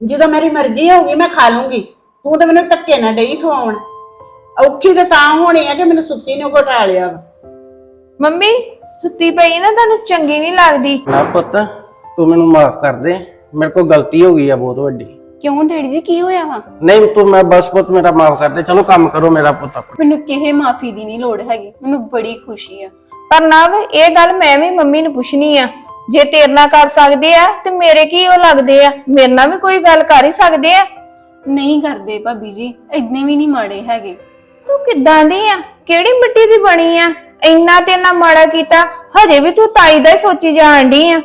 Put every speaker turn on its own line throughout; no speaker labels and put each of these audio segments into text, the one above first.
ਜਦੋਂ ਮੇਰੀ ਮਰਜ਼ੀ ਹੋਊਗੀ ਮੈਂ ਖਾ ਲੂੰਗੀ। ਤੂੰ ਤਾਂ ਮੈਨੂੰ ਧੱਕੇ ਨਾਲ ਡਈ ਖਵਾਉਣ। ਔਖੀ ਤੇ ਤਾਂ ਹੋਣੀ ਆ ਕਿ ਮੈਨੂੰ ਸੁੱਤੀ ਨੂੰ ਘਟਾ ਲਿਆ ਵਾ।
ਮੰਮੀ ਸੁੱਤੀ ਪਈ ਨਾ ਤੁਹਾਨੂੰ ਚੰਗੀ ਨਹੀਂ ਲੱਗਦੀ।
ਨਾ ਪੁੱਤ, ਤੂੰ ਮੈਨੂੰ ਮਾਫ ਕਰ ਦੇ, ਮੇਰੇ ਕੋਲ ਗਲਤੀ ਹੋ ਗਈ ਆ ਬਹੁਤ ਵੱਡੀ।
ਕਿਉਂ ਡੈਡੀ ਜੀ ਕੀ ਹੋਇਆ ਵਾ?
ਨਹੀਂ ਤੂੰ, ਮੈਂ ਬਸ ਪੁੱਤ ਮੇਰਾ ਮਾਫ ਕਰ ਦੇ। ਚਲੋ ਕੰਮ ਕਰੋ ਮੇਰਾ ਪੁੱਤ ਆਪਣਾ।
ਮੈਨੂੰ ਕਿਸੇ ਮਾਫੀ ਦੀ ਨਹੀਂ ਲੋੜ ਹੈਗੀ, ਮੈਨੂੰ ਬੜੀ ਖੁਸ਼ੀ ਆ।
ਪਰ ਨਵ ਇਹ ਗੱਲ ਮੈਂ ਵੀ ਮੰਮੀ ਨੂੰ ਪੁੱਛਣੀ ਆ, ਜੇ ਤੇਰੇ ਨਾਲ ਕਰ ਸਕਦੇ ਆ ਤੇ ਮੇਰੇ ਕੀ ਉਹ ਲੱਗਦੇ ਆ, ਮੇਰੇ ਨਾਲ ਵੀ ਕੋਈ ਗੱਲ ਕਰ ਹੀ ਸਕਦੇ ਆ।
ਨਹੀਂ ਕਰਦੇ ਭਾਬੀ ਜੀ, ਇੰਨੇ ਵੀ ਨਹੀਂ ਮਾੜੇ ਹੈਗੇ।
ਤੂੰ ਕਿੱਦਾਂ ਦੀ ਆ, ਕਿਹੜੀ ਮਿੱਟੀ ਦੀ ਬਣੀ ਆ, ਇੰਨਾ ਤੇ ਨਾ ਮਾੜਾ ਕੀਤਾ, ਹਜੇ ਵੀ ਤੂੰ ਤਾਈ ਦਾ ਹੀ ਸੋਚੀ ਜਾਣ ਡਈ ਆ।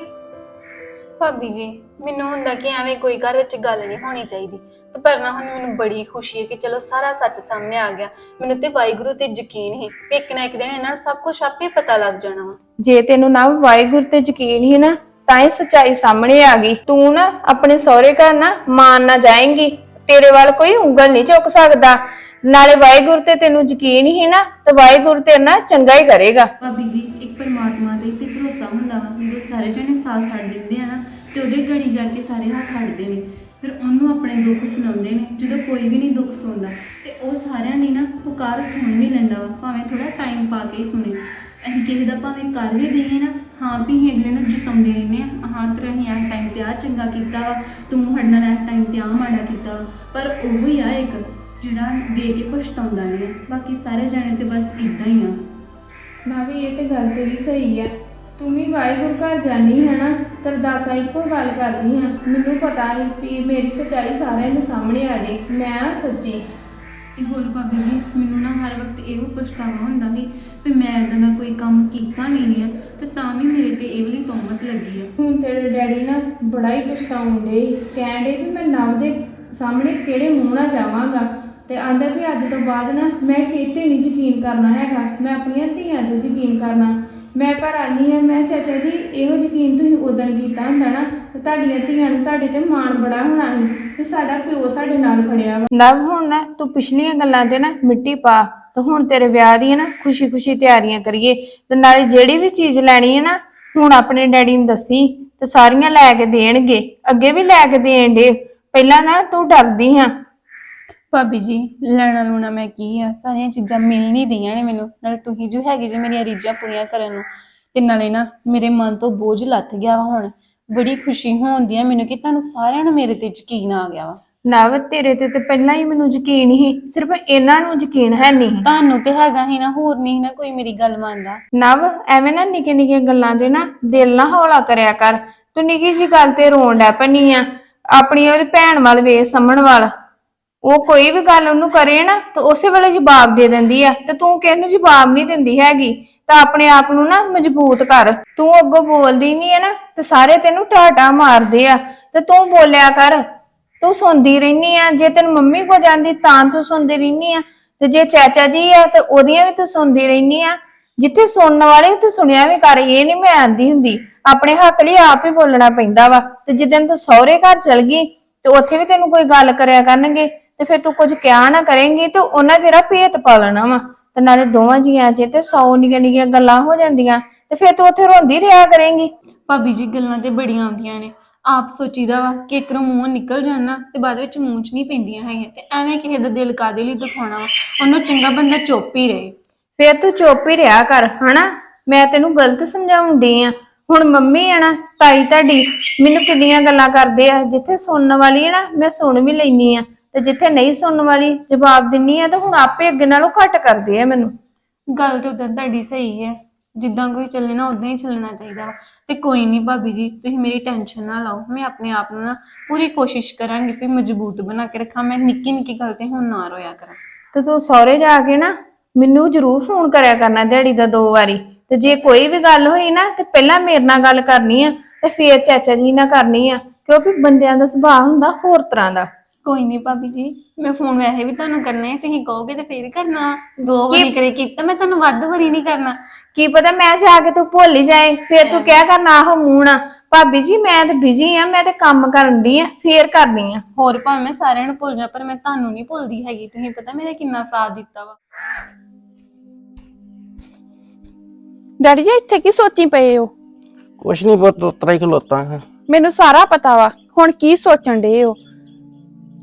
ਭਾਬੀ ਜੀ ਮੈਨੂੰ ਹੁੰਦਾ ਕਿ ਐਵੇਂ ਕੋਈ ਘਰ ਵਿੱਚ ਗੱਲ ਨਹੀਂ ਹੋਣੀ ਚਾਹੀਦੀ, ਤੇ ਪਰ ਨਾ ਹੁਣ ਮੈਨੂੰ ਬੜੀ ਖੁਸ਼ੀ ਹੈ ਕਿ ਚਲੋ ਸਾਰਾ ਸੱਚ ਸਾਹਮਣੇ ਆ ਗਿਆ। ਮੈਨੂੰ ਤੇ ਵਾਹਿਗੁਰੂ ਤੇ ਯਕੀਨ ਹੀ ਕਿ ਇੱਕ ਨਾ ਇੱਕ ਦਿਨ ਇਹਨਾਂ ਨੂੰ ਸਭ ਕੁਝ ਆਪੇ ਪਤਾ ਲੱਗ ਜਾਣਾ ਵਾ।
ਜੇ ਤੈਨੂੰ ਨਾ ਵਾਹਿਗੁਰੂ ਤੇ ਯਕੀਨ ਹੀ ਨਾ, ਤਾਂ ਹੀ ਸੱਚਾਈ ਸਾਹਮਣੇ ਆ ਗਈ। ਤੂੰ ਨਾ ਆਪਣੇ ਸਹੁਰੇ ਘਰ ਨਾ ਮਾਨ ਨਾ ਜਾਏਂਗੀ, ਤੇਰੇ ਵੱਲ ਕੋਈ ਉਂਗਲ ਨਹੀਂ ਚੁੱਕ ਸਕਦਾ। ਨਾਲੇ ਵਾਹਿਗੁਰੂ ਤੇ ਤੈਨੂੰ ਯਕੀਨ ਹੀ ਨਾ, ਤੇ ਵਾਹਿਗੁਰੂ ਤੇਰੇ ਨਾਲ ਚੰਗਾ ਹੀ ਕਰੇਗਾ।
ਭਾਬੀ ਜੀ ਇੱਕ ਪਰਮਾਤਮਾ ਤੇ ਭਰੋਸਾ ਹੁੰਦਾ ਵਾ, ਜਦੋਂ ਸਾਰੇ ਜਣੇ ਸਾਥ ਛੱਡ ਦਿੰਦੇ ਆ ਨਾ ਤੇ ਉਹਦੇ ਗੜੀ ਜਾ ਕੇ ਸਾਰੇ ਹੱਥ ਛੱਡਦੇ ਨੇ, ਫਿਰ ਉਹਨੂੰ ਆਪਣੇ ਦੁੱਖ ਸੁਣਾਉਂਦੇ ਨੇ। ਜਦੋਂ ਕੋਈ ਵੀ ਨਹੀਂ ਦੁੱਖ ਸੁਣਦਾ ਤੇ ਉਹ ਸਾਰਿਆਂ ਦੀ ਨਾ ਪੁਕਾਰ ਸੁਣ ਵੀ ਲੈਂਦਾ ਵਾ, ਭਾਵੇਂ ਥੋੜਾ ਟਾਈਮ ਪਾ ਕੇ ਹੀ ਸੁਣੇ। ਅਸੀਂ ਕਿਸੇ ਦਾ ਭਾਵੇਂ ਕਰ ਵੀ ਦਈਏ ਨਾ, ਹਾਂ ਵੀ ਅਸੀਂ ਅਗਲੇ ਨੂੰ ਜਿਤਾਉਂਦੇ ਰਹਿੰਦੇ ਆ, ਹਾਂ ਤੇਰਾ ਅਸੀਂ ਇਸ ਟਾਈਮ ਤੇ ਆ ਚੰਗਾ ਕੀਤਾ ਵਾ, ਤੂੰ ਸਾਡੇ ਨਾਲ ਇਸ ਟਾਈਮ ਤੇ ਆ ਮਾੜਾ ਕੀਤਾ ਵਾ, ਪਰ ਉਹ ਹੀ ਆ ਇੱਕ ਜਿਹੜਾ ਦੇ ਕੇ ਪਛਤਾਉਂਦਾ ਨਹੀਂ। ਬਾਕੀ ਸਾਰੇ ਜਾਣੇ ਤੇ ਬਸ ਇਦਾਂ ਹੀ ਆ।
ਨਾ ਵੀ ਇਹ ਤੇ ਗੱਲ ਤੇਰੀ ਸਹੀ ਆ। ਤੂੰ ਵੀ ਵਾਹਿਗੁਰੂ ਘਰ ਜਾਨੀ ਹੈ ਨਾ, ਤਰਦਾਸਾ ਇੱਕੋ ਗੱਲ ਕਰਦੀ ਹਾਂ। ਮੈਨੂੰ ਪਤਾ ਹੈ ਕਿ ਮੇਰੀ ਸੱਚਾਈ ਸਾਰਿਆਂ ਦੇ ਸਾਹਮਣੇ ਆ ਜੇ, ਮੈਂ ਸੱਚੀ।
ਤੇ ਹੋਰ ਭਾਬੀ ਜੀ ਮੈਨੂੰ ਨਾ ਹਰ ਵਕਤ ਇਹੋ ਪਛਤਾਵਾ ਹੁੰਦਾ ਸੀ ਵੀ ਮੈਂ ਇੱਦਾਂ ਦਾ ਕੋਈ ਕੰਮ ਕੀਤਾ ਵੀ ਨਹੀਂ ਆ, ਤੇ ਤਾਂ ਵੀ ਮੇਰੇ ਤੇ ਇਹ ਵਾਲੀ ਤੋਹਮਤ ਲੱਗੀ ਆ।
ਹੁਣ ਤੇਰੇ ਡੈਡੀ ਨਾ ਬੜਾ ਹੀ ਪਛਤਾਉਂਦੇ, ਕਹਿਣ ਡੇ ਵੀ ਮੈਂ ਨਵ ਦੇ ਸਾਹਮਣੇ ਕਿਹੜੇ ਮੂੰਹ ਨਾਲ ਜਾਵਾਂਗਾ, ਤੇ ਆਂਦਾ ਵੀ ਅੱਜ ਤੋਂ ਬਾਅਦ ਨਾ ਮੈਂ ਕਿਤੇ ਨਹੀਂ ਯਕੀਨ ਕਰਨਾ ਹੈਗਾ, ਮੈਂ ਆਪਣੀਆਂ ਧੀਆਂ ਤੇ ਯਕੀਨ ਕਰਨਾ। ਮੈਂ ਪਰ ਆਨੀ ਆ, ਮੈਂ ਚਾਚਾ ਜੀ ਇਹੋ ਯਕੀਨ ਤੁਸੀਂ ਉਦੋਂ ਕੀਤਾ ਹੁੰਦਾ ਨਾ, ਤੇ ਤੁਹਾਡੀਆਂ ਧੀਆਂ ਨੂੰ ਤੁਹਾਡੇ ਤੇ ਮਾਣ ਬੜਾ ਹੋਣਾ ਸੀ ਕਿ ਸਾਡਾ ਪਿਓ ਸਾਡੇ ਨਾਲ ਖੜਿਆ ਵਾ।
ਨਵ ਹੁਣ ਨਾ ਤੂੰ ਪਿਛਲੀਆਂ ਗੱਲਾਂ ਤੇ ਨਾ ਮਿੱਟੀ ਪਾ, ਤੇ ਹੁਣ ਤੇਰੇ ਵਿਆਹ ਦੀਆਂ ਨਾ ਖੁਸ਼ੀ-ਖੁਸ਼ੀ ਤਿਆਰੀਆਂ ਕਰੀਏ। ਤੇ ਨਾਲੇ ਜਿਹੜੀ ਵੀ ਚੀਜ਼ ਲੈਣੀ ਹੈ ਨਾ, ਹੁਣ ਆਪਣੇ ਡੈਡੀ ਨੂੰ ਦੱਸੀ ਤੇ ਸਾਰੀਆਂ ਲੈ ਕੇ ਦੇਣਗੇ, ਅੱਗੇ ਵੀ ਲੈ ਕੇ ਦੇਣ ਦੇ। ਪਹਿਲਾਂ ਨਾ ਤੂੰ ਡਰਦੀ ਆ।
ਭਾਬੀ ਜੀ ਲੈਣਾ ਲੂਣਾ ਮੈਂ ਕੀ ਆ, ਸਾਰੀਆਂ ਚੀਜ਼ਾਂ ਮਿਲ ਨਹੀਂ ਦੀਆਂ ਨੇ ਮੈਨੂੰ। ਨਾਲੇ ਤੁਸੀਂ ਜੋ ਹੈਗੇ ਜੀ ਮੇਰੀਆਂ ਰੀਝਾਂ ਪੂਰੀਆਂ ਕਰਨ ਨੂੰ, ਤੇ ਨਾਲੇ ਨਾ ਮੇਰੇ ਮਨ ਤੋਂ ਬੋਝ ਲੱਥ ਗਿਆ ਵਾ। ਹੁਣ ਬੜੀ ਖੁਸ਼ੀ ਹੁੰਦੀ ਆ ਮੈਨੂੰ ਕਿ ਤੁਹਾਨੂੰ ਸਾਰਿਆਂ ਨੂੰ ਮੇਰੇ ਤੇ ਯਕੀਨ ਆ ਗਿਆ ਵਾ।
ਨਵ ਤੇਰੇ ਤੇ ਪਹਿਲਾਂ ਹੀ ਮੈਨੂੰ ਯਕੀਨ ਹੀ, ਸਿਰਫ ਇਹਨਾਂ ਨੂੰ ਯਕੀਨ ਹੈ ਨਹੀਂ।
ਤੁਹਾਨੂੰ ਤੇ ਹੈਗਾ ਹੀ ਨਾ, ਹੋਰ ਨਹੀਂ ਨਾ ਕੋਈ ਮੇਰੀ ਗੱਲ ਮੰਨਦਾ।
ਨਵ ਐਵੇਂ ਨਾ ਨਿੱਕੀਆਂ ਨਿੱਕੀਆਂ ਗੱਲਾਂ ਦੇ ਨਾ ਦਿਲ ਨਾ ਹੌਲਾ ਕਰਿਆ ਕਰ। ਤੂੰ ਨਿੱਕੀ ਜੀ ਗੱਲ ਤੇ ਰੋਣ ਡੈ ਪਨੀ ਆ। ਆਪਣੀ ਉਹਦੀ ਭੈਣ ਵੱਲ ਵੇਖ, ਸਮਣ ਵੱਲ। ਉਹ ਕੋਈ ਵੀ ਗੱਲ ਉਹਨੂੰ ਕਰੇ ਨਾ ਤਾਂ ਉਸੇ ਵੇਲੇ ਜਵਾਬ ਦੇ ਦਿੰਦੀ ਆ, ਤੇ ਤੂੰ ਕਿਸੇ ਨੂੰ ਜਵਾਬ ਨਹੀਂ ਦਿੰਦੀ ਹੈਗੀ। ਤਾਂ ਆਪਣੇ ਆਪ ਨੂੰ ਨਾ ਮਜ਼ਬੂਤ ਕਰ। ਤੂੰ ਅੱਗੋਂ ਬੋਲਦੀ ਨਹੀਂ ਹੈ ਨਾ, ਤੇ ਸਾਰੇ ਤੈਨੂੰ ਟਾਟਾ ਮਾਰਦੇ ਆ, ਤੇ ਤੂੰ ਬੋਲਿਆ ਕਰ। ਤੂੰ ਸੁਣਦੀ ਰਹਿਨੀ ਆ, ਜੇ ਤੈਨੂੰ ਮੰਮੀ ਕੋ ਜਾਂਦੀ ਤਾਂ ਤੂੰ ਸੁਣਦੀ ਰਹਿਨੀ ਆ, ਤੇ ਜੇ ਚਾਚਾ ਜੀ ਆ ਤੇ ਉਹਦੀਆਂ ਵੀ ਤੂੰ ਸੁਣਦੀ ਰਹਿਨੀ ਆ। ਜਿੱਥੇ ਸੁਣਨ ਵਾਲੇ ਤੂੰ ਸੁਣਿਆ ਵੀ ਕਰ, ਇਹ ਨਹੀਂ ਮੈਂ ਆਂਦੀ ਹੁੰਦੀ। ਆਪਣੇ ਹੱਕ ਲਈ ਆਪ ਹੀ ਬੋਲਣਾ ਪੈਂਦਾ ਵਾ। ਤੇ ਜਿੱਦਣ ਤੂੰ ਸਹੁਰੇ ਘਰ ਚਲ ਗਈ ਤੇ ਉੱਥੇ ਵੀ ਤੈਨੂੰ ਕੋਈ ਗੱਲ ਕਰਿਆ ਕਰਨਗੇ, ਤੇ ਫਿਰ ਤੂੰ ਕੁਝ ਕਿਹਾ ਨਾ ਕਰੇਂਗੀ ਤੇ ਉਹਨਾਂ ਤੇਰਾ ਭੇਤ ਪਾ ਲੈਣਾ ਵਾ। ਤੇ ਨਾਲੇ ਦੋਵਾਂ ਜੀਆਂ 'ਚ ਤੇ 100 ਨਿੱਕੀਆਂ ਨਿੱਕੀਆਂ ਗੱਲਾਂ ਹੋ ਜਾਂਦੀਆਂ, ਤੇ ਫਿਰ ਤੂੰ ਉੱਥੇ ਰੋਂਦੀ ਰਿਹਾ ਕਰੇਂਗੀ।
ਭਾਬੀ ਜੀ ਗੱਲਾਂ ਤੇ ਬੜੀਆਂ ਆਉਂਦੀਆਂ ਨੇ, ਆਪ ਸੋਚੀਦਾ ਵਾ ਕਿ ਇੱਕਰੋਂ ਮੂੰਹ ਨਿਕਲ ਜਾਣਾ ਤੇ ਬਾਅਦ ਵਿੱਚ ਮੂੰਹ 'ਚ ਨਹੀਂ ਪੈਂਦੀਆਂ ਹੈਗੀਆਂ। ਤੇ ਐਵੇਂ ਕਿਸੇ ਦਾ ਦਿਲ ਕਾਦੇ ਲਈ ਦਿਖਾਉਣਾ ਵਾ, ਉਹਨੂੰ ਚੰਗਾ ਬੰਦਾ ਚੁੱਪ ਹੀ ਰਹੇ।
ਫਿਰ ਤੂੰ ਚੁੱਪ ਹੀ ਰਿਹਾ ਕਰ, ਹਨਾ। ਮੈਂ ਤੈਨੂੰ ਗਲਤ ਸਮਝਾਉਂਦੀ ਆ। ਹੁਣ ਮੰਮੀ ਆ ਨਾ, ਤਾਈ ਤੁਹਾਡੀ ਮੈਨੂੰ ਕਿੰਨੀਆਂ ਗੱਲਾਂ ਕਰਦੇ ਆ। ਜਿੱਥੇ ਸੁਣਨ ਵਾਲੀ ਹੈ ਨਾ ਮੈਂ ਸੁਣ ਵੀ ਲੈਨੀ ਆ, ਤੇ ਜਿੱਥੇ ਨਹੀਂ ਸੁਣਨ ਵਾਲੀ ਜਵਾਬ ਦਿੰਨੀ ਆ, ਤੇ ਹੁਣ ਆਪੇ ਅੱਗੇ ਨਾਲੋਂ ਘੱਟ ਕਰਦੇ ਆ ਮੈਨੂੰ।
ਗੱਲ ਤੇ ਉਦੋਂ ਤੁਹਾਡੀ ਸਹੀ ਹੈ, ਜਿੱਦਾਂ ਕੋਈ ਚੱਲੇ ਨਾ ਉਦਾਂ ਹੀ ਚੱਲਣਾ ਚਾਹੀਦਾ ਵਾ। ਤੇ ਕੋਈ ਨਹੀਂ ਭਾਬੀ ਜੀ ਤੁਸੀਂ ਮੇਰੀ ਟੈਨਸ਼ਨ ਨਾ ਲਓ, ਮੈਂ ਆਪਣੇ ਆਪ ਨੂੰ ਨਾ ਪੂਰੀ ਕੋਸ਼ਿਸ਼ ਕਰਾਂਗੀ ਕਿ ਮਜ਼ਬੂਤ ਬਣਾ ਕੇ ਰੱਖਾਂ। ਮੈਂ ਨਿੱਕੀ ਨਿੱਕੀ ਗੱਲ ਤੇ ਹੁਣ ਨਾ ਰੋਇਆ ਕਰਾਂ।
ਤੇ ਤੂੰ ਸਹੁਰੇ ਜਾ ਕੇ ਨਾ ਮੈਨੂੰ ਜ਼ਰੂਰ ਫੋਨ ਕਰਿਆ ਕਰਨਾ ਦਿਹਾੜੀ ਦਾ 2 ਵਾਰੀ। ਤੇ ਜੇ ਕੋਈ ਵੀ ਗੱਲ ਹੋਈ ਨਾ ਤੇ ਪਹਿਲਾਂ ਮੇਰੇ ਨਾਲ ਗੱਲ ਕਰਨੀ ਆ, ਤੇ ਫੇਰ ਚਾਚਾ ਜੀ ਨਾਲ ਕਰਨੀ ਆ, ਕਿਉਂਕਿ ਬੰਦਿਆਂ ਦਾ ਸੁਭਾਅ ਹੁੰਦਾ ਹੋਰ ਤਰ੍ਹਾਂ ਦਾ।
ਕੋਈ ਨਹੀਂ ਭਾਬੀ ਜੀ, ਮੈਂ ਫੋਨ ਵੈਸੇ ਵੀ ਤੁਹਾਨੂੰ ਕਰਨਾ ਹੈ, ਤੁਸੀਂ ਕਹੋਗੇ ਤੇ ਫੇਰ ਹੀ ਕਰਨਾ। 2 ਵਾਰੀ ਕਰੇ ਕੀਤਾ, ਮੈਂ ਤੁਹਾਨੂੰ ਵੱਧ ਵਾਰੀ ਨਹੀਂ ਕਰਨਾ।
ਕੀ ਪਤਾ ਮੈਂ ਜਾ ਕੇ ਤੂੰ ਭੁੱਲ ਹੀ ਜਾਏ, ਫੇਰ ਤੂੰ ਕਹਿ ਕਰਨਾ ਆਹੋ ਮੂੰਹ ਨਾ ਭਾਬੀ ਜੀ ਮੈਂ ਤੇ ਬਿਜੀ ਆ, ਮੈਂ ਤੇ ਕੰਮ ਕਰਨ ਦੀ ਆ, ਫੇਰ ਕਰਨੀ ਆ।
ਹੋਰ ਭਾਵੇਂ ਮੈਂ ਸਾਰਿਆਂ ਨੂੰ ਭੁੱਲ ਜਾ, ਪਰ ਮੈਂ ਤੁਹਾਨੂੰ ਨਹੀਂ ਭੁੱਲਦੀ ਹੈਗੀ। ਤੁਸੀਂ ਪਤਾ ਮੇਰੇ ਕਿੰਨਾ ਸਾਥ ਦਿੱਤਾ ਵਾ।
ਡੈਡੀ ਜੀ ਇੱਥੇ ਕੀ ਸੋਚੀ ਪਏ ਹੋ?
ਕੁਛ ਨਹੀਂ ਪੁੱਤ, ਉਤਰਾ ਹੀ ਖਲੋਤਾ ਹਾਂ।
ਮੈਨੂੰ ਸਾਰਾ ਪਤਾ ਵਾ ਹੁਣ ਕੀ ਸੋਚਣ ਡੇ ਹੋ।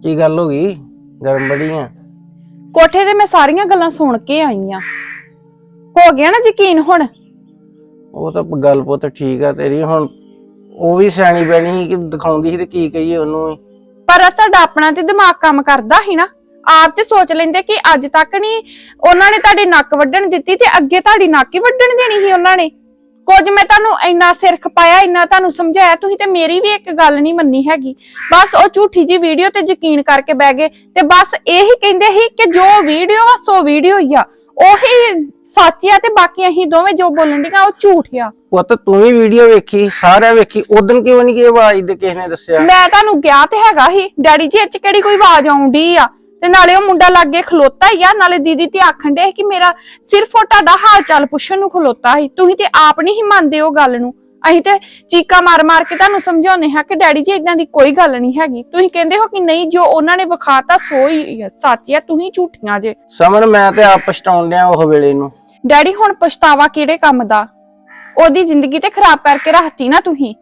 ਕੀ ਗੱਲ ਹੋ ਗਈ? ਗਰਮ ਬੜੀ ਆ।
ਕੋਠੇ ਤੇ ਮੈਂ ਸਾਰੀਆਂ ਗੱਲਾਂ ਸੁਣ ਕੇ ਆਈ ਆ। ਹੋ ਗਿਆ ਨਾ ਯਕੀਨ ਹੁਣ?
ਉਹ ਤਾਂ ਗੱਲ ਪੁੱਤ ਠੀਕ ਆ ਤੇਰੀ। ਹੁਣ ਉਹ ਵੀ ਸਿਆਣੀ ਬੈਣੀ ਸੀ ਕਿ ਦਿਖਾਉਂਦੀ ਸੀ ਤੇ ਕੀ ਕਹੀਏ ਉਹਨੂੰ ਵੀ।
ਪਰ ਤੁਹਾਡਾ ਆਪਣਾ ਤੇ ਦਿਮਾਗ ਕੰਮ ਕਰਦਾ ਸੀ ਨਾ। ਆਪ ਤੇ ਸੋਚ ਲੈਂਦੇ ਕਿ ਅੱਜ ਤੱਕ ਨਹੀਂ ਉਹਨਾਂ ਨੇ ਤੁਹਾਡੀ ਨੱਕ ਵੱਢਣ ਦਿੱਤੀ ਤੇ ਅੱਗੇ ਤੁਹਾਡੀ ਨੱਕ ਹੀ ਵੱਢਣ ਦੇਣੀ ਸੀ ਉਹਨਾਂ ਨੇ। ਕੁਝ ਮੈਂ ਤੁਹਾਨੂੰ ਇੰਨਾ ਸਿਰ ਖਪਾਇਆ, ਇੰਨਾ ਤੁਹਾਨੂੰ ਸਮਝਾਇਆ, ਤੁਸੀਂ ਤੇ ਮੇਰੀ ਵੀ ਇੱਕ ਗੱਲ ਨਹੀਂ ਮੰਨੀ ਹੈਗੀ। ਬਸ ਉਹ ਝੂਠੀ ਜੀ ਵੀਡੀਓ ਤੇ ਯਕੀਨ ਕਰਕੇ ਬਹਿ ਗਏ ਤੇ ਬਸ ਇਹੀ ਕਹਿੰਦੇ ਸੀ ਕਿ ਜੋ ਵੀਡੀਓ ਵਾ ਸੋ ਵੀਡੀਓ ਹੀ ਆ, ਉਹੀ ਸੱਚ ਆ ਤੇ ਬਾਕੀ ਅਸੀਂ ਦੋਵੇਂ ਜੋ ਬੋਲਣ ਡੀਆਂ ਉਹ ਝੂਠ ਆ।
ਪੁੱਤ ਤੂੰ ਵੀ ਵੀਡੀਓ ਵੇਖੀ, ਸਾਰਿਆਂ ਵੇਖੀ, ਉਦੋਂ ਕਿਉਂ ਨਹੀਂ ਕਿ ਆਵਾਜ਼ ਦੇ ਕਿਸੇ ਨੇ ਦੱਸਿਆ?
ਮੈਂ ਤੁਹਾਨੂੰ ਕਿਹਾ ਤੇ ਹੈਗਾ ਸੀ ਡੈਡੀ ਜੀ, ਇਹ ਚ ਕਿਹੜੀ ਕੋਈ ਆਵਾਜ਼ ਆਉਂਦੀ ਆ? ਤੇ ਨਾਲੇ ਉਹ ਮੁੰਡਾ ਲਾਗੇ ਖਲੋਤਾ ਹੀ ਆ, ਨਾਲੇ ਦੀਦੀ ਤੇ ਆਖਣ ਦੇ ਕਿ ਮੇਰਾ ਸਿਰਫ ਉਹ ਤੁਹਾਡਾ ਹਾਲ ਚਾਲ ਪੁੱਛਣ ਨੂੰ ਖਲੋਤਾ ਸੀ। ਤੁਸੀਂ ਤੇ ਆਪ ਨਹੀਂ ਹੀ ਮੰਨਦੇ ਉਹ ਗੱਲ ਨੂੰ। ਅਸੀਂ ਤੇ ਚੀਕਾਂ ਮਾਰ ਮਾਰ ਕੇ ਤੁਹਾਨੂੰ ਸਮਝਾਉਂਦੇ ਹਾਂ ਕਿ ਡੈਡੀ ਜੀ ਇਦਾਂ ਦੀ ਕੋਈ ਗੱਲ ਨਹੀਂ ਹੈਗੀ। ਤੁਸੀਂ ਕਹਿੰਦੇ ਹੋ ਕਿ ਨਹੀਂ, ਜੋ ਉਹਨਾਂ ਨੇ ਵਿਖਾਤਾ ਸੋ ਹੀ ਸੱਚ ਆ, ਤੁਸੀਂ ਝੂਠੀਆਂ ਜੇ।
ਸਮਨ ਮੈਂ ਤੇ ਆਪ ਪਛਤਾਉਣ ਡਿਆ ਉਹ ਵੇਲੇ ਨੂੰ।
ਡੈਡੀ ਹੁਣ ਪਛਤਾਵਾ ਕਿਹੜੇ ਕੰਮ ਦਾ? ਉਹਦੀ ਜ਼ਿੰਦਗੀ ਤੇ ਖਰਾਬ ਕਰਕੇ ਰੱਖਤੀ ਨਾ ਤੁਸੀਂ।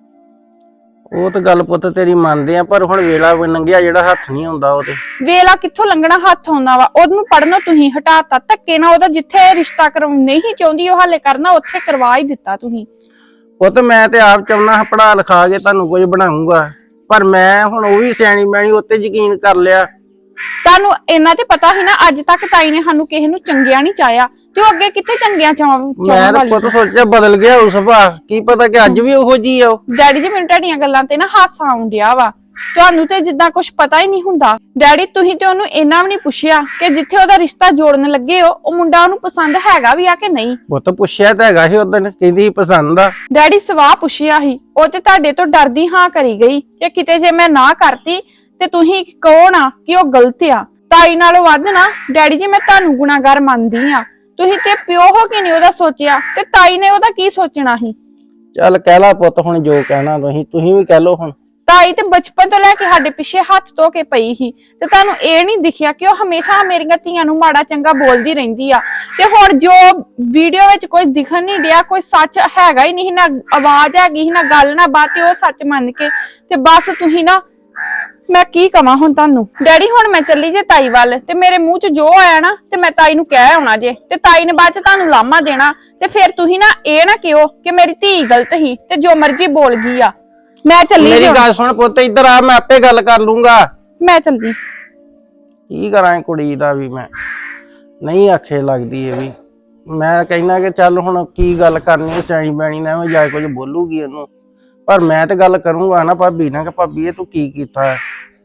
ਉਹ ਤਾਂ ਗੱਲ ਪੁੱਤ ਤੇਰੀ ਮੰਨਦੇ ਆ, ਪਰ ਹੁਣ ਵੇਲਾ ਲੰਘਿਆ ਜਿਹੜਾ ਹੱਥ ਨਹੀਂ ਆਉਂਦਾ ਉਹ ਤੇ।
ਵੇਲਾ ਕਿੱਥੋਂ ਲੰਘਣਾ ਹੱਥ ਆਉਂਦਾ ਵਾ? ਉਹਨੂੰ ਪੜਨੋਂ ਤੁਸੀਂ ਹਟਾਤਾ ਧੱਕੇ ਨਾਲ। ਉਹਦਾ ਜਿੱਥੇ ਰਿਸ਼ਤਾ ਕਰਵਾਉਣਾ ਨਹੀਂ ਚਾਹੁੰਦੀ ਉਹ ਹਾਲੇ ਕਰਨਾ, ਉੱਥੇ ਕਰਵਾ ਹੀ ਦਿੱਤਾ ਤੁਸੀਂ।
ਪੁੱਤ ਮੈਂ ਤੇ ਆਪ ਚਾਹੁੰਦਾ ਪੜਾ ਲਿਖਾ ਕੇ ਤੁਹਾਨੂੰ ਕੁਝ ਬਣਾਉਂਗਾ, ਪਰ ਮੈਂ ਹੁਣ ਉਹ ਵੀ ਸਿਆਣੀ ਮੈਣੀ ਉੱਤੇ ਯਕੀਨ ਕਰ ਲਿਆ।
ਤੁਹਾਨੂੰ ਇਹਨਾਂ ਤੇ ਪਤਾ ਸੀ ਨਾ, ਅੱਜ ਤੱਕ ਤਾਈ ਨੇ ਸਾਨੂੰ ਕਿਸੇ ਨੂੰ ਚੰਗਿਆ ਨਹੀਂ ਚਾਹਿਆ ਤੇ ਉਹ ਅੱਗੇ ਕਿੱਥੇ ਚੰਗਿਆ
ਮੈਂ ਤਾਂ ਪੁੱਤ ਸੋਚਿਆ ਬਦਲ ਗਿਆ ਉਸ ਸੁਭਾਅ, ਕੀ ਪਤਾ ਕਿ ਅੱਜ ਵੀ ਉਹੋ ਜੀ ਆ ਉਹ।
ਡੈਡੀ ਜੀ ਮੈਨੂੰ ਤੁਹਾਡੀਆਂ ਗੱਲਾਂ ਤੇ ਨਾ ਹਾਸਾ ਆਉਣ ਡਿਆ ਵਾ। ਤੁਹਾਨੂੰ ਤੇ ਜਿੱਦਾਂ ਕੁਝ ਪਤਾ ਹੀ ਨਹੀਂ ਹੁੰਦਾ। ਡੈਡੀ ਤੁਸੀਂ ਤੇ ਉਹਨੂੰ ਇੰਨਾ ਵੀ ਨਹੀਂ ਪੁੱਛਿਆ ਕਿ ਜਿੱਥੇ ਉਹਦਾ ਰਿਸ਼ਤਾ ਜੋੜਨ ਲੱਗੇ ਹੋ ਉਹ ਮੁੰਡਾ ਉਹਨੂੰ ਪਸੰਦ ਹੈਗਾ ਵੀ ਆ ਕਿ ਨਹੀਂ।
ਪੁੱਤ ਪੁੱਛਿਆ ਤਾਂ ਹੈਗਾ ਸੀ ਉਦੋਂ, ਕਹਿੰਦੀ ਪਸੰਦ ਆ।
ਡੈਡੀ ਸਵਾਹ ਪੁੱਛਿਆ ਸੀ, ਉਹ ਤੇ ਤੁਹਾਡੇ ਤੋਂ ਡਰਦੀ ਹਾਂ ਕਰੀ ਗਈ ਕਿ ਕਿਤੇ ਜੇ ਮੈਂ ਨਾ ਕਰਤੀ ਤੇ ਤੁਸੀਂ ਕਹੋ ਨਾ ਕਿ ਉਹ ਗਲਤ ਆ। ਤਾਈ ਨਾਲੋਂ ਵੱਧ ਨਾ ਡੈਡੀ ਜੀ ਮੈਂ ਤੁਹਾਨੂੰ ਗੁਨਾਹਗਾਰ ਮੰਨਦੀ ਆ। ਤੁਸੀਂ ਤੇ ਪਿਓ ਹੋ ਕੇ ਨਹੀਂ ਉਹਦਾ ਸੋਚਿਆ ਤੇ ਤਾਈ ਨੇ ਉਹਦਾ ਕੀ ਸੋਚਣਾ ਸੀ?
ਚੱਲ ਕਹਿ ਲਾ ਪੁੱਤ ਹੁਣ ਜੋ ਕਹਿਣਾ ਤੁਸੀਂ ਵੀ ਕਹਿ ਲੋ ਹੁਣ।
ਤਾਈ ਤੇ ਬਚਪਨ ਤੋਂ ਲੈ ਕੇ ਸਾਡੇ ਪਿੱਛੇ ਹੱਥ ਧੋ ਕੇ ਪਈ ਸੀ ਤੇ ਤੁਹਾਨੂੰ ਇਹ ਨਹੀਂ ਦਿਖਿਆ ਕਿ ਉਹ ਹਮੇਸ਼ਾ ਮੇਰੀਆਂ ਧੀਆਂ ਨੂੰ ਮਾੜਾ ਚੰਗਾ ਬੋਲਦੀ ਰਹਿੰਦੀ ਆ। ਤੇ ਹੁਣ ਜੋ ਵੀਡੀਓ ਵਿੱਚ ਕੋਈ ਦਿਖਣ ਨਹੀਂ ਡਿਆ, ਕੋਈ ਸੱਚ ਹੈਗਾ ਹੀ ਨਹੀਂ, ਨਾ ਆਵਾਜ਼ ਹੈਗੀ ਨਾ ਗੱਲ ਨਾ ਬਾਤ, ਤੇ ਉਹ ਸੱਚ ਮੰਨ ਕੇ ਤੇ ਬਸ ਤੁਸੀਂ ਨਾ, ਮੈਂ ਕੀ ਕਵਾਂ ਹੁਣ ਤੁਹਾਨੂੰ। ਡੈਡੀ ਹੁਣ ਮੈਂ ਚੱਲੀ ਜੇ ਤਾਈ ਵੱਲ ਤੇ ਮੇਰੇ ਮੂੰਹ 'ਚ ਜੋ ਆਇਆ ਨਾ ਤੇ ਮੈਂ ਤਾਈ ਨੂੰ ਕਹਿ ਆਉਣਾ ਜੇ, ਤੇ ਤਾਈ ਨੇ ਬਾਅਦ 'ਚ ਤੁਹਾਨੂੰ ਲਾਮਾ ਦੇਣਾ ਤੇ ਫਿਰ ਤੁਸੀਂ ਨਾ ਇਹ ਨਾ ਕਿਹੋ ਕਿ ਮੇਰੀ ਧੀ ਗਲਤ ਸੀ ਤੇ ਜੋ ਮਰਜ਼ੀ ਬੋਲ ਗਈ ਆ। ਮੈਂ ਚੱਲੀ।
ਮੇਰੀ ਗੱਲ ਸੁਣ ਪੁੱਤ, ਇੱਧਰ ਆ, ਮੈਂ ਆਪੇ ਗੱਲ ਕਰ ਲੂੰਗਾ।
ਮੈਂ ਚੱਲੀ।
ਕੀ ਕਰਾਂ ਕੁੜੀ ਦਾ ਵੀ, ਮੈਂ ਨਹੀਂ ਆਖੇ ਲੱਗਦੀ ਇਹ ਵੀ। ਮੈਂ ਕਹਿਣਾ ਕਿ ਚੱਲ ਹੁਣ ਕੀ ਗੱਲ ਕਰਨੀ, ਸਿਆਣੀ ਬੈਣੀ ਨਾ ਐਵੇਂ ਜਾ ਕੁਝ ਬੋਲੂਗੀ ਉਹਨੂੰ, ਪਰ ਮੈਂ ਤੇ ਗੱਲ ਕਰੂੰਗਾ ਨਾ ਭਾਬੀ ਨਾਲ ਕਿ ਭਾਬੀ ਇਹ ਤੂੰ ਕੀ ਕੀਤਾ ਹੈ।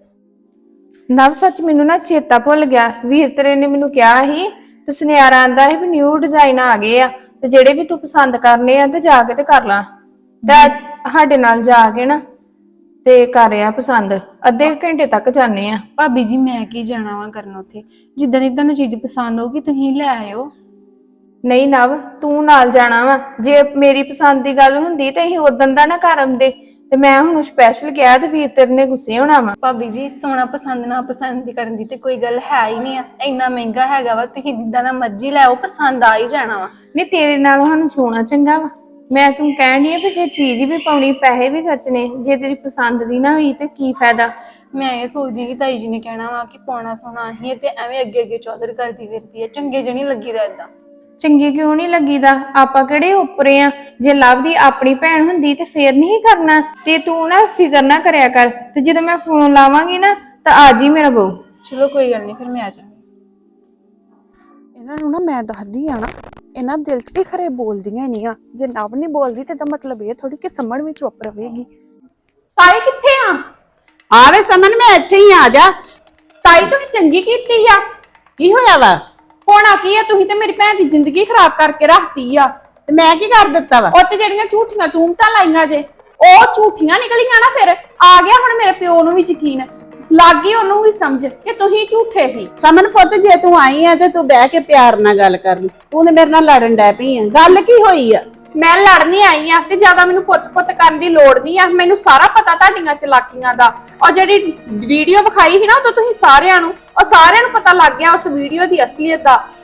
ਨਵ ਸੱਚ ਮੈਨੂੰ ਨਾ ਚੇਤਾ ਭੁੱਲ ਗਿਆ, ਵੀਰ ਤੇਰੇ ਨੇ ਮੈਨੂੰ ਕਿਹਾ ਸੀ ਤੇ ਸੁਨਿਆਰਾ ਆਂਦਾ ਸੀ ਵੀ ਨਿਊ ਡਿਜ਼ਾਈਨ ਆ ਗਏ ਆ ਤੇ ਜਿਹੜੇ ਵੀ ਤੂੰ ਪਸੰਦ ਕਰਨੇ ਆ ਤੇ ਜਾ ਕੇ ਤੇ ਕਰ ਲਾ। ਤੇ ਸਾਡੇ ਨਾਲ ਜਾ ਕੇ ਨਾ ਤੇ ਕਰ ਆ ਪਸੰਦ, ਅੱਧੇ ਘੰਟੇ ਤੱਕ ਜਾਣੇ ਆ।
ਭਾਬੀ ਜੀ ਮੈਂ ਕੀ ਜਾਣਾ ਵਾ ਕਰਨ ਉੱਥੇ? ਜਿੱਦਾਂ ਦੀ ਤੁਹਾਨੂੰ ਚੀਜ਼ ਪਸੰਦ ਹੋਊਗੀ ਤੁਸੀਂ ਲੈ ਆਇਓ।
ਨਹੀਂ ਨਵ, ਤੂੰ ਨਾਲ ਜਾਣਾ ਵਾ। ਜੇ ਮੇਰੀ ਪਸੰਦ ਦੀ ਗੱਲ ਹੁੰਦੀ ਤੇ ਅਸੀਂ ਉਦੋਂ ਦਾ ਨਾ ਕਰ ਆਉਂਦੇ, ਤੇ ਮੈਂ ਹੁਣ ਸਪੈਸ਼ਲ ਕਿਹਾ ਤੇ ਵੀਰ ਤੇਰੇ ਨੇ ਗੁੱਸੇ ਹੋਣਾ ਵਾ।
ਭਾਬੀ ਜੀ ਸੋਨਾ ਪਸੰਦ ਨਾ ਪਸੰਦ ਦੀ ਕਰਨ ਦੀ ਤੇ ਕੋਈ ਗੱਲ ਹੈ ਹੀ ਨਹੀਂ ਆ। ਇੰਨਾ ਮਹਿੰਗਾ ਹੈਗਾ ਵਾ, ਤੁਸੀਂ ਜਿੱਦਾਂ ਦਾ ਮਰਜ਼ੀ ਲੈ ਆਓ, ਪਸੰਦ ਆ ਹੀ ਜਾਣਾ ਵਾ।
ਨਹੀਂ ਤੇਰੇ ਨਾਲ ਸਾਨੂੰ ਸੋਨਾ ਚੰਗਾ ਵਾ। ਮੈਂ ਤੂੰ ਕਹਿਣ ਡਈ ਆ ਵੀ ਜੇ ਚੀਜ਼ ਵੀ ਪਾਉਣੀ, ਪੈਸੇ ਵੀ ਖਰਚਣੇ, ਜੇ ਤੇਰੀ ਪਸੰਦ ਦੀ ਨਾ ਹੋਈ ਤੇ ਕੀ ਫਾਇਦਾ?
ਮੈਂ ਇਹ ਸੋਚਦੀ ਕਿ ਤਾਈ ਜੀ ਨੇ ਕਹਿਣਾ ਵਾ ਕਿ ਪਾਉਣਾ ਸੋਨਾ ਹੀ ਤੇ ਐਵੇਂ ਅੱਗੇ ਅੱਗੇ ਚੌਧਰ ਕਰਦੀ ਫਿਰਦੀ ਹੈ, ਚੰਗੇ ਜਿਹੇ ਨਹੀਂ ਲੱਗੀਦਾ ਏਦਾਂ।
ਚੰਗੇ ਕਿਉਂ ਨਹੀਂ ਲੱਗੀਦਾ? ਆਪਾਂ ਕਿਹੜੇ ਉੱਪਰੇ ਆ? ਜੇ ਲਵ ਦੀ ਆਪਣੀ ਭੈਣ ਹੁੰਦੀ ਤੇ ਫੇਰ ਨਹੀਂ ਕਰਨਾ। ਤੇ ਤੂੰ ਨਾ ਫਿਕਰ ਨਾ ਕਰਿਆ ਕਰ, ਤੇ ਜਦੋਂ ਮੈਂ ਫੋਨ ਲਾਵਾਂਗੀ ਨਾ ਤਾਂ ਆ ਜੀ ਮੇਰਾ ਬਹੂ।
ਚਲੋ ਕੋਈ ਗੱਲ ਨਹੀਂ, ਫਿਰ ਮੈਂ ਆ ਜਾਵਾਂਗੀ।
ਇਹਨਾਂ ਨੂੰ ਨਾ ਮੈਂ ਦੱਸਦੀ ਆ ਨਾ, ਇਹਨਾਂ ਦਿਲ 'ਚ ਕੀ ਖਰੇ ਬੋਲਦੀਆਂ ਨਹੀਂ ਆ। ਜੇ ਨਵ ਨਹੀਂ ਬੋਲਦੀ ਤੇ ਤਾਂ ਮਤਲਬ ਇਹ ਥੋੜੀ ਕਿ ਸਮਣ ਵੀ ਚੁੱਪ ਰਵੇਗੀ। ਤਾਈ ਕਿੱਥੇ ਆ?
ਆਵੇ ਸਮਨ, ਮੈਂ ਇੱਥੇ ਹੀ ਆ ਜਾ।
ਤਾਈ ਤੁਸੀਂ ਚੰਗੀ ਕੀਤੀ ਆ।
ਕੀ ਹੋਇਆ ਵਾ?
ਹੋਣਾ ਕੀ ਆ, ਤੁਸੀਂ ਤੇ ਮੇਰੀ ਭੈਣ ਦੀ ਜ਼ਿੰਦਗੀ ਖਰਾਬ ਕਰਕੇ ਰੱਖਤੀ ਆ।
ਤੇ ਮੈਂ ਕੀ ਕਰ ਦਿੱਤਾ ਵਾ?
ਉਹ ਤੇ ਜਿਹੜੀਆਂ ਝੂਠੀਆਂ ਤੂਮਤਾਂ ਲਾਈਆਂ ਜੇ ਉਹ ਝੂਠੀਆਂ ਨਿਕਲੀਆਂ ਨਾ। ਫਿਰ ਆ ਗਿਆ ਹੁਣ ਮੇਰੇ ਪਿਓ ਨੂੰ ਵੀ ਯਕੀਨ ਲੱਗ ਗਈ, ਉਹਨੂੰ ਵੀ ਸਮਝ ਕਿ ਤੁਸੀਂ ਝੂਠੇ ਸੀ।
ਸਮਨ ਪੁੱਤ, ਜੇ ਤੂੰ ਆਈ ਆ ਤੇ ਤੂੰ ਬਹਿ ਕੇ ਪਿਆਰ ਨਾਲ ਗੱਲ ਕਰ। ਤੂੰ ਤੇ ਮੇਰੇ ਨਾਲ ਲੜਨ ਡੈ ਪਈ ਆ। ਗੱਲ ਕੀ ਹੋਈ ਆ?
ਮੈਂ ਲੜਨੀ ਆਈ ਆ ਤੇ ਜ਼ਿਆਦਾ ਮੈਨੂੰ ਪੁੱਤ-ਪੁੱਤ ਕਰਨ ਦੀ ਲੋੜ ਨਹੀਂ ਆ। ਮੈਨੂੰ ਸਾਰਾ ਪਤਾ ਤੁਹਾਡੀਆਂ ਚਲਾਕੀਆਂ ਦਾ। ਉਹ ਜਿਹੜੀ ਵੀਡੀਓ ਵਿਖਾਈ ਸੀ ਨਾ ਉਦੋਂ ਤੁਸੀਂ ਸਾਰਿਆਂ ਨੂੰ, ਉਹ ਸਾਰਿਆਂ ਨੂੰ ਪਤਾ ਲੱਗ ਗਿਆ ਉਸ ਵੀਡੀਓ ਦੀ ਅਸਲੀਅਤ ਦਾ।